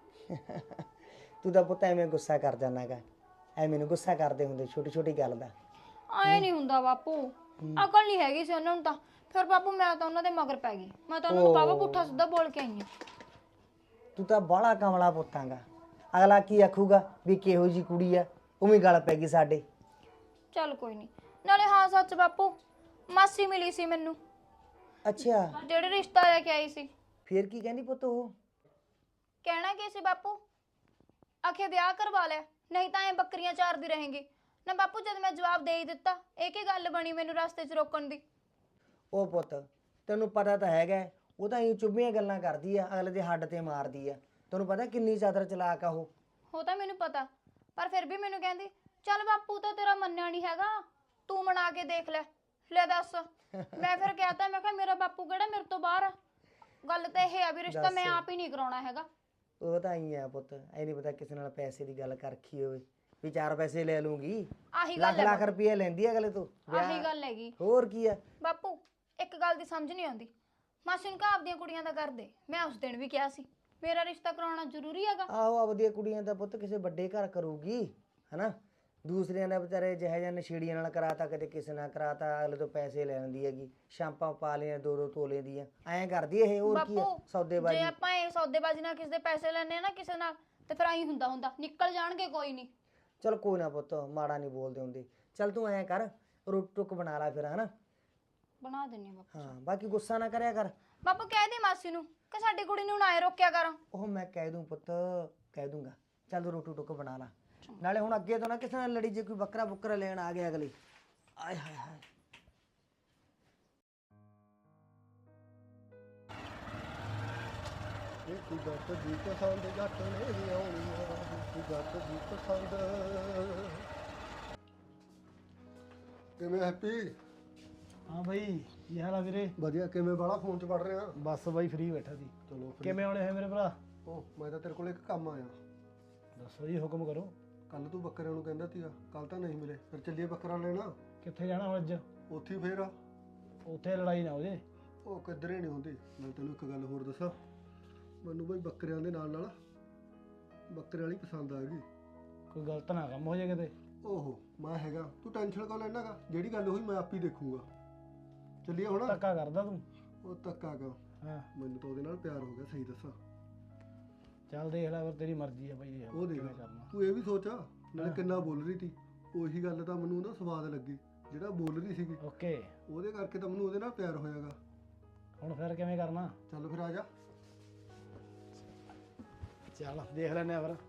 F: ਤੂੰ ਤਾਂ ਪੁੱਤ ਐਵੇਂ ਗੁੱਸਾ ਕਰ ਜਾਣਾਗਾ। ਐਵੇਂ ਨੂੰ ਗੁੱਸਾ ਕਰਦੇ ਹੁੰਦੇ ਛੋਟੀ ਛੋਟੀ ਗੱਲ ਦਾ।
A: ਆਏ ਨਹੀਂ ਹੁੰਦਾ ਬਾਪੂ, ਅਕਲ ਨਹੀਂ ਹੈਗੀ ਸੀ ਉਹਨਾਂ ਨੂੰ ਤਾਂ। ਫਿਰ ਬਾਪੂ ਮੈਂ ਤਾਂ ਉਹਨਾਂ ਦੇ ਮਗਰ ਪੈ ਗਈ, ਮੈਂ ਤਾਂ ਉਹਨਾਂ ਨੂੰ ਬਾਵਾ ਪੁੱਠਾ ਸਿੱਧਾ ਬੋਲ ਕੇ ਆਈ ਆ।
F: ਤੂੰ ਤਾਂ ਬਾਹਲਾ ਕਮਲਾ ਪੁੱਤਾਂਗਾ। ਅਗਲਾ ਕੀ ਆਖੂਗਾ ਵੀ ਕਿਹੋ ਜੀ ਕੁੜੀ ਆ, ਉਵੇਂ ਗੱਲ ਪੈ ਗਈ ਸਾਡੇ।
A: ਚੱਲ ਕੋਈ ਨਹੀਂ। ਨਾਲੇ ਹਾਂ ਸੱਚ ਬਾਪੂ, ਮਾਸੀ ਮਿਲੀ ਸੀ ਮੈਨੂੰ,
F: ਅੱਛਾ
A: ਜਿਹੜੇ ਰਿਸ਼ਤਾ ਲੈ ਕੇ ਆਈ ਸੀ।
F: ਫੇਰ ਕੀ ਕਹਿੰਦੀ ਪੁੱਤ ਉਹ?
A: ਕਹਿਣਾ ਕੀ ਸੀ ਬਾਪੂ, ਆਖੇ ਵਿਆਹ ਕਰਵਾ ਲੈ, ਨਹੀਂ ਤਾਂ ਐ ਬੱਕਰੀਆਂ ਚਾਰਦੀ ਰਹੇਂਗੀ। ਨਾ ਬਾਪੂ ਜਦ ਮੈਂ ਜਵਾਬ ਦੇ ਹੀ ਦਿੱਤਾ, ਇਹ ਕੀ ਗੱਲ ਬਣੀ ਮੈਨੂੰ ਰਸਤੇ 'ਚ ਰੋਕਣ ਦੀ?
F: ਉਹ ਪੁੱਤ ਤੈਨੂੰ ਪਤਾ ਤਾਂ ਹੈਗਾ, ਉਹ ਤਾਂ ਇਹ ਚੁੱਭੀਆਂ ਗੱਲਾਂ ਕਰਦੀ ਆ, ਅਗਲੇ ਦੇ ਹੱਡ ਤੇ ਮਾਰਦੀ ਆ। ਤੈਨੂੰ ਪਤਾ ਕਿੰਨੀ ਚਾਦਰ ਚਲਾਕ ਆ ਉਹ।
A: ਉਹ ਤਾਂ ਮੈਨੂੰ ਪਤਾ, ਪਰ ਫਿਰ ਵੀ ਮੈਨੂੰ ਕਹਿੰਦੀ ਚੱਲ ਬਾਪੂ ਤਾਂ ਤੇਰਾ ਮੰਨਿਆ ਨਹੀਂ ਹੈਗਾ, ਤੂੰ ਮਨਾ ਕੇ ਦੇਖ ਲੈ। ਲੈ ਦੱਸ, ਮੈਂ ਫਿਰ ਕਹਿਤਾ, ਮੈਂ ਕਿਹਾ ਮੇਰਾ ਬਾਪੂ ਕਿਹੜਾ ਮੇਰੇ ਤੋਂ ਬਾਹਰ ਆ। ਗੱਲ ਤਾਂ ਇਹ ਆ ਵੀ ਰਿਸ਼ਤਾ ਮੈਂ ਆਪ ਹੀ ਨਹੀਂ ਕਰਾਉਣਾ ਹੈਗਾ।
F: ਉਹ ਤਾਂ ਹੀ ਆ ਪੁੱਤ, ਐ ਨਹੀਂ ਪਤਾ ਕਿਸੇ ਨਾਲ ਪੈਸੇ ਦੀ ਗੱਲ ਕਰਖੀ ਹੋਵੇ ਵੀ ਚਾਰ ਪੈਸੇ ਲੈ ਲੂੰਗੀ।
A: ਆਹੀ
F: ਲੱਖ
A: ਗੱਲ
F: ਲੱਖ
A: ਹੈ,
F: ਰੁਪਏ ਲੈਂਦੀ ਆ ਅਗਲੇ ਤੋਂ।
A: ਆਹੀ ਗੱਲ ਹੈਗੀ
F: ਹੋਰ ਕੀ ਆ
A: ਬਾਪੂ। ਇੱਕ ਗੱਲ ਦੀ ਸਮਝ ਨਹੀਂ ਆਉਂਦੀ, ਮਾਸੀ ਨੂੰ ਕਹਾ ਆਪਦੀਆਂ ਕੁੜੀਆਂ ਦਾ ਕਰਦੇ। ਮੈਂ ਉਸ ਦਿਨ ਵੀ ਕਿਹਾ ਸੀ ਮੇਰਾ ਰਿਸ਼ਤਾ ਕਰਾਉਣਾ ਜ਼ਰੂਰੀ ਹੈਗਾ।
F: ਆਹੋ ਆਪਦੀਆਂ ਕੁੜੀਆਂ ਦਾ ਪੁੱਤ ਕਿਸੇ ਵੱਡੇ ਘਰ ਕਰੂਗੀ ਹਨਾ। ਦੂਸਰਿਆਂ ਦਾ ਵਿਚਾਰੇ ਜਿਹੇ ਜਿਹੇ ਨਸ਼ੇੜੀਆਂ ਨਾਲ ਕਰਾਤਾ, ਕਦੇ ਕਿਸੇ ਨਾਲ ਕਰਾਤਾ, ਅਗਲੇ ਤੋਂ ਪੈਸੇ ਲੈ ਲੈਂਦੀ ਹੈਗੀ। ਸ਼ਾਂਪਾਂ ਪਾ ਲਈਆਂ ਦੋ ਦੋ ਤੋਲੇ ਦੀਆਂ, ਐਂ ਕਰਦੀ ਇਹ। ਹੋਰ ਕੀ ਆ
A: ਬਾਪੂ
F: ਸੌਦੇਬਾਜ਼ੀ।
A: ਜੇ ਆਪਾਂ ਇਹ ਸੌਦੇਬਾਜ਼ੀ ਨਾਲ ਕਿਸੇ ਦੇ ਪੈਸੇ ਲੈਣੇ ਆ ਨਾ ਕਿਸੇ ਨਾਲ, ਤੇ ਫਿਰ ਆਈ ਹੁੰਦਾ ਹੁੰਦਾ ਨਿਕਲ ਜਾਣਗੇ। ਕੋਈ ਨਹੀਂ,
F: ਚਲ ਕੋਈ ਨਾ ਪੁੱਤ, ਮਾੜਾ ਨਹੀਂ ਬੋਲਦੇ ਹੁੰਦੇ। ਚੱਲ ਤੂੰ ਐਂ ਕਰ, ਰੋਟੀ ਟੁੱਕ ਬਣਾ ਲੈ ਫਿਰ ਹਨਾ।
A: ਬਣਾ ਦਿੰਨੀ ਬਾਪੂ।
F: ਹਾਂ ਬਾਕੀ ਗੁੱਸਾ ਨਾ ਕਰਿਆ ਕਰ।
A: ਬਾਪੂ ਕਹਿ ਦੇ ਮਾਸੀ ਨੂੰ ਕਿ ਸਾਡੀ ਕੁੜੀ ਨੂੰ ਨਾ ਐ ਰੋਕਿਆ ਕਰ।
F: ਉਹ ਮੈਂ ਕਹਿ ਦੂੰ ਪੁੱਤ, ਕਹਿ ਦੂੰਗਾ। ਚੱਲ ਤੂੰ ਰੋਟੀ ਟੁੱਕ ਬਣਾ ਲਾ। ਨਾਲੇ ਹੁਣ ਅੱਗੇ ਤੋਂ ਨਾ ਕਿਸੇ ਨਾਲ ਲੜੀ, ਜੇ ਕੋਈ ਬੱਕਰਾ ਬੁੱਕਰਾ ਲੈਣ ਆ ਗਿਆ ਅਗਲੀ। ਆਏ ਹਾਏ ਹਾਏ।
B: ਇਹ ਕੀ ਗੱਲ ਤਾਂ ਜੀ ਤਾਂ ਸਾਲ ਦੇ ਘੱਟ ਨੇ ਇਹ ਆਉਣੀ ਜੱਟ ਦੀ ਪਸੰਦ। ਕਿਵੇਂ ਹੈਪੀ?
C: ਹਾਂ ਬਾਈ ਕੀ ਹਾਲ ਆ ਵੀਰੇ?
B: ਵਧੀਆ। ਕਿਵੇਂ ਬਾਲਾ ਫੋਨ 'ਚ ਪੜ ਰਿਹਾ?
C: ਬਸ ਬਾਈ ਫ੍ਰੀ ਬੈਠਾ ਸੀ।
B: ਚਲੋ free।
C: ਕਿਵੇਂ ਆਉਣੇ ਹੋਏ ਮੇਰੇ ਭਰਾ?
B: ਉਹ ਮੈਂ ਤਾਂ ਤੇਰੇ ਕੋਲ ਇੱਕ ਕੰਮ ਆਇਆ।
C: ਦੱਸੋ ਜੀ, ਹੁਕਮ ਕਰੋ।
B: ਕੱਲ ਤੂੰ ਬੱਕਰਿਆਂ ਨੂੰ ਕਹਿੰਦਾ ਸੀਗਾ, ਕੱਲ ਤਾਂ ਨਹੀਂ ਮਿਲੇ, ਫਿਰ ਚੱਲੀਏ ਬੱਕਰਾ ਲੈਣਾ।
C: ਕਿੱਥੇ ਜਾਣਾ ਹੁਣ ਅੱਜ?
B: ਉੱਥੇ ਹੀ ਫੇਰ ਆ।
C: ਉੱਥੇ ਲੜਾਈ ਨਾ ਹੋ ਜੇ।
B: ਉਹ ਕਿੱਧਰੇ ਨਹੀਂ ਹੁੰਦੀ। ਮੈਂ ਤੈਨੂੰ ਇੱਕ ਗੱਲ ਹੋਰ ਦੱਸਾਂ, ਮੈਨੂੰ ਬਈ ਬੱਕਰਿਆਂ ਦੇ ਨਾਲ ਨਾਲ ਬੱਕਰੇ ਵਾਲੀ ਪਸੰਦ ਆ ਗਈ।
C: ਕੋਈ ਗਲਤ ਨਾ ਕੰਮ ਹੋ ਜਾਏ ਕਿਤੇ।
B: ਓਹੋ ਮੈਂ ਹੈਗਾ, ਤੂੰ ਟੈਨਸ਼ਨ ਕਿਉਂ ਲੈਣਾ ਗਾ? ਜਿਹੜੀ ਗੱਲ ਹੋਈ ਮੈਂ ਆਪ ਹੀ ਦੇਖੂੰਗਾ। ਚੱਲੀਏ ਹੁਣ।
C: ਧੱਕਾ ਕਰਦਾ ਤੂੰ?
B: ਉਹ ਧੱਕਾ ਕਿਉਂ?
C: ਹਾਂ
B: ਮੈਨੂੰ ਤਾਂ ਉਹਦੇ ਨਾਲ ਪਿਆਰ ਹੋ ਗਿਆ, ਸਹੀ ਦੱਸਾਂ।
C: ਚੱਲ ਦੇਖ ਲੈ, ਫਿਰ ਤੇਰੀ ਮਰਜ਼ੀ ਆ ਬਾਈ।
B: ਉਹ ਦੇਖ
C: ਕਿਵੇਂ ਕਰਨਾ।
B: ਤੂੰ ਇਹ ਵੀ ਸੋਚ ਨਾਲੇ
C: ਹਾਂ।
B: ਕਿੰਨਾ ਬੋਲ ਰਹੀ ਸੀ। ਉਹੀ ਗੱਲ ਤਾਂ ਮੈਨੂੰ ਉਹਦਾ ਸਵਾਦ ਲੱਗੀ, ਜਿਹੜਾ ਬੋਲ ਰਹੀ ਸੀਗੀ।
C: ਓਕੇ।
B: ਉਹਦੇ ਕਰਕੇ ਤਾਂ ਮੈਨੂੰ ਉਹਦੇ ਨਾਲ ਪਿਆਰ ਹੋਇਆਗਾ।
C: ਹੁਣ ਫਿਰ ਕਿਵੇਂ ਕਰਨਾ?
B: ਚੱਲ ਫਿਰ ਆ ਜਾ।
C: ਚੱਲ ਦੇਖ ਲੈਨੇ ਆ ਫਿਰ।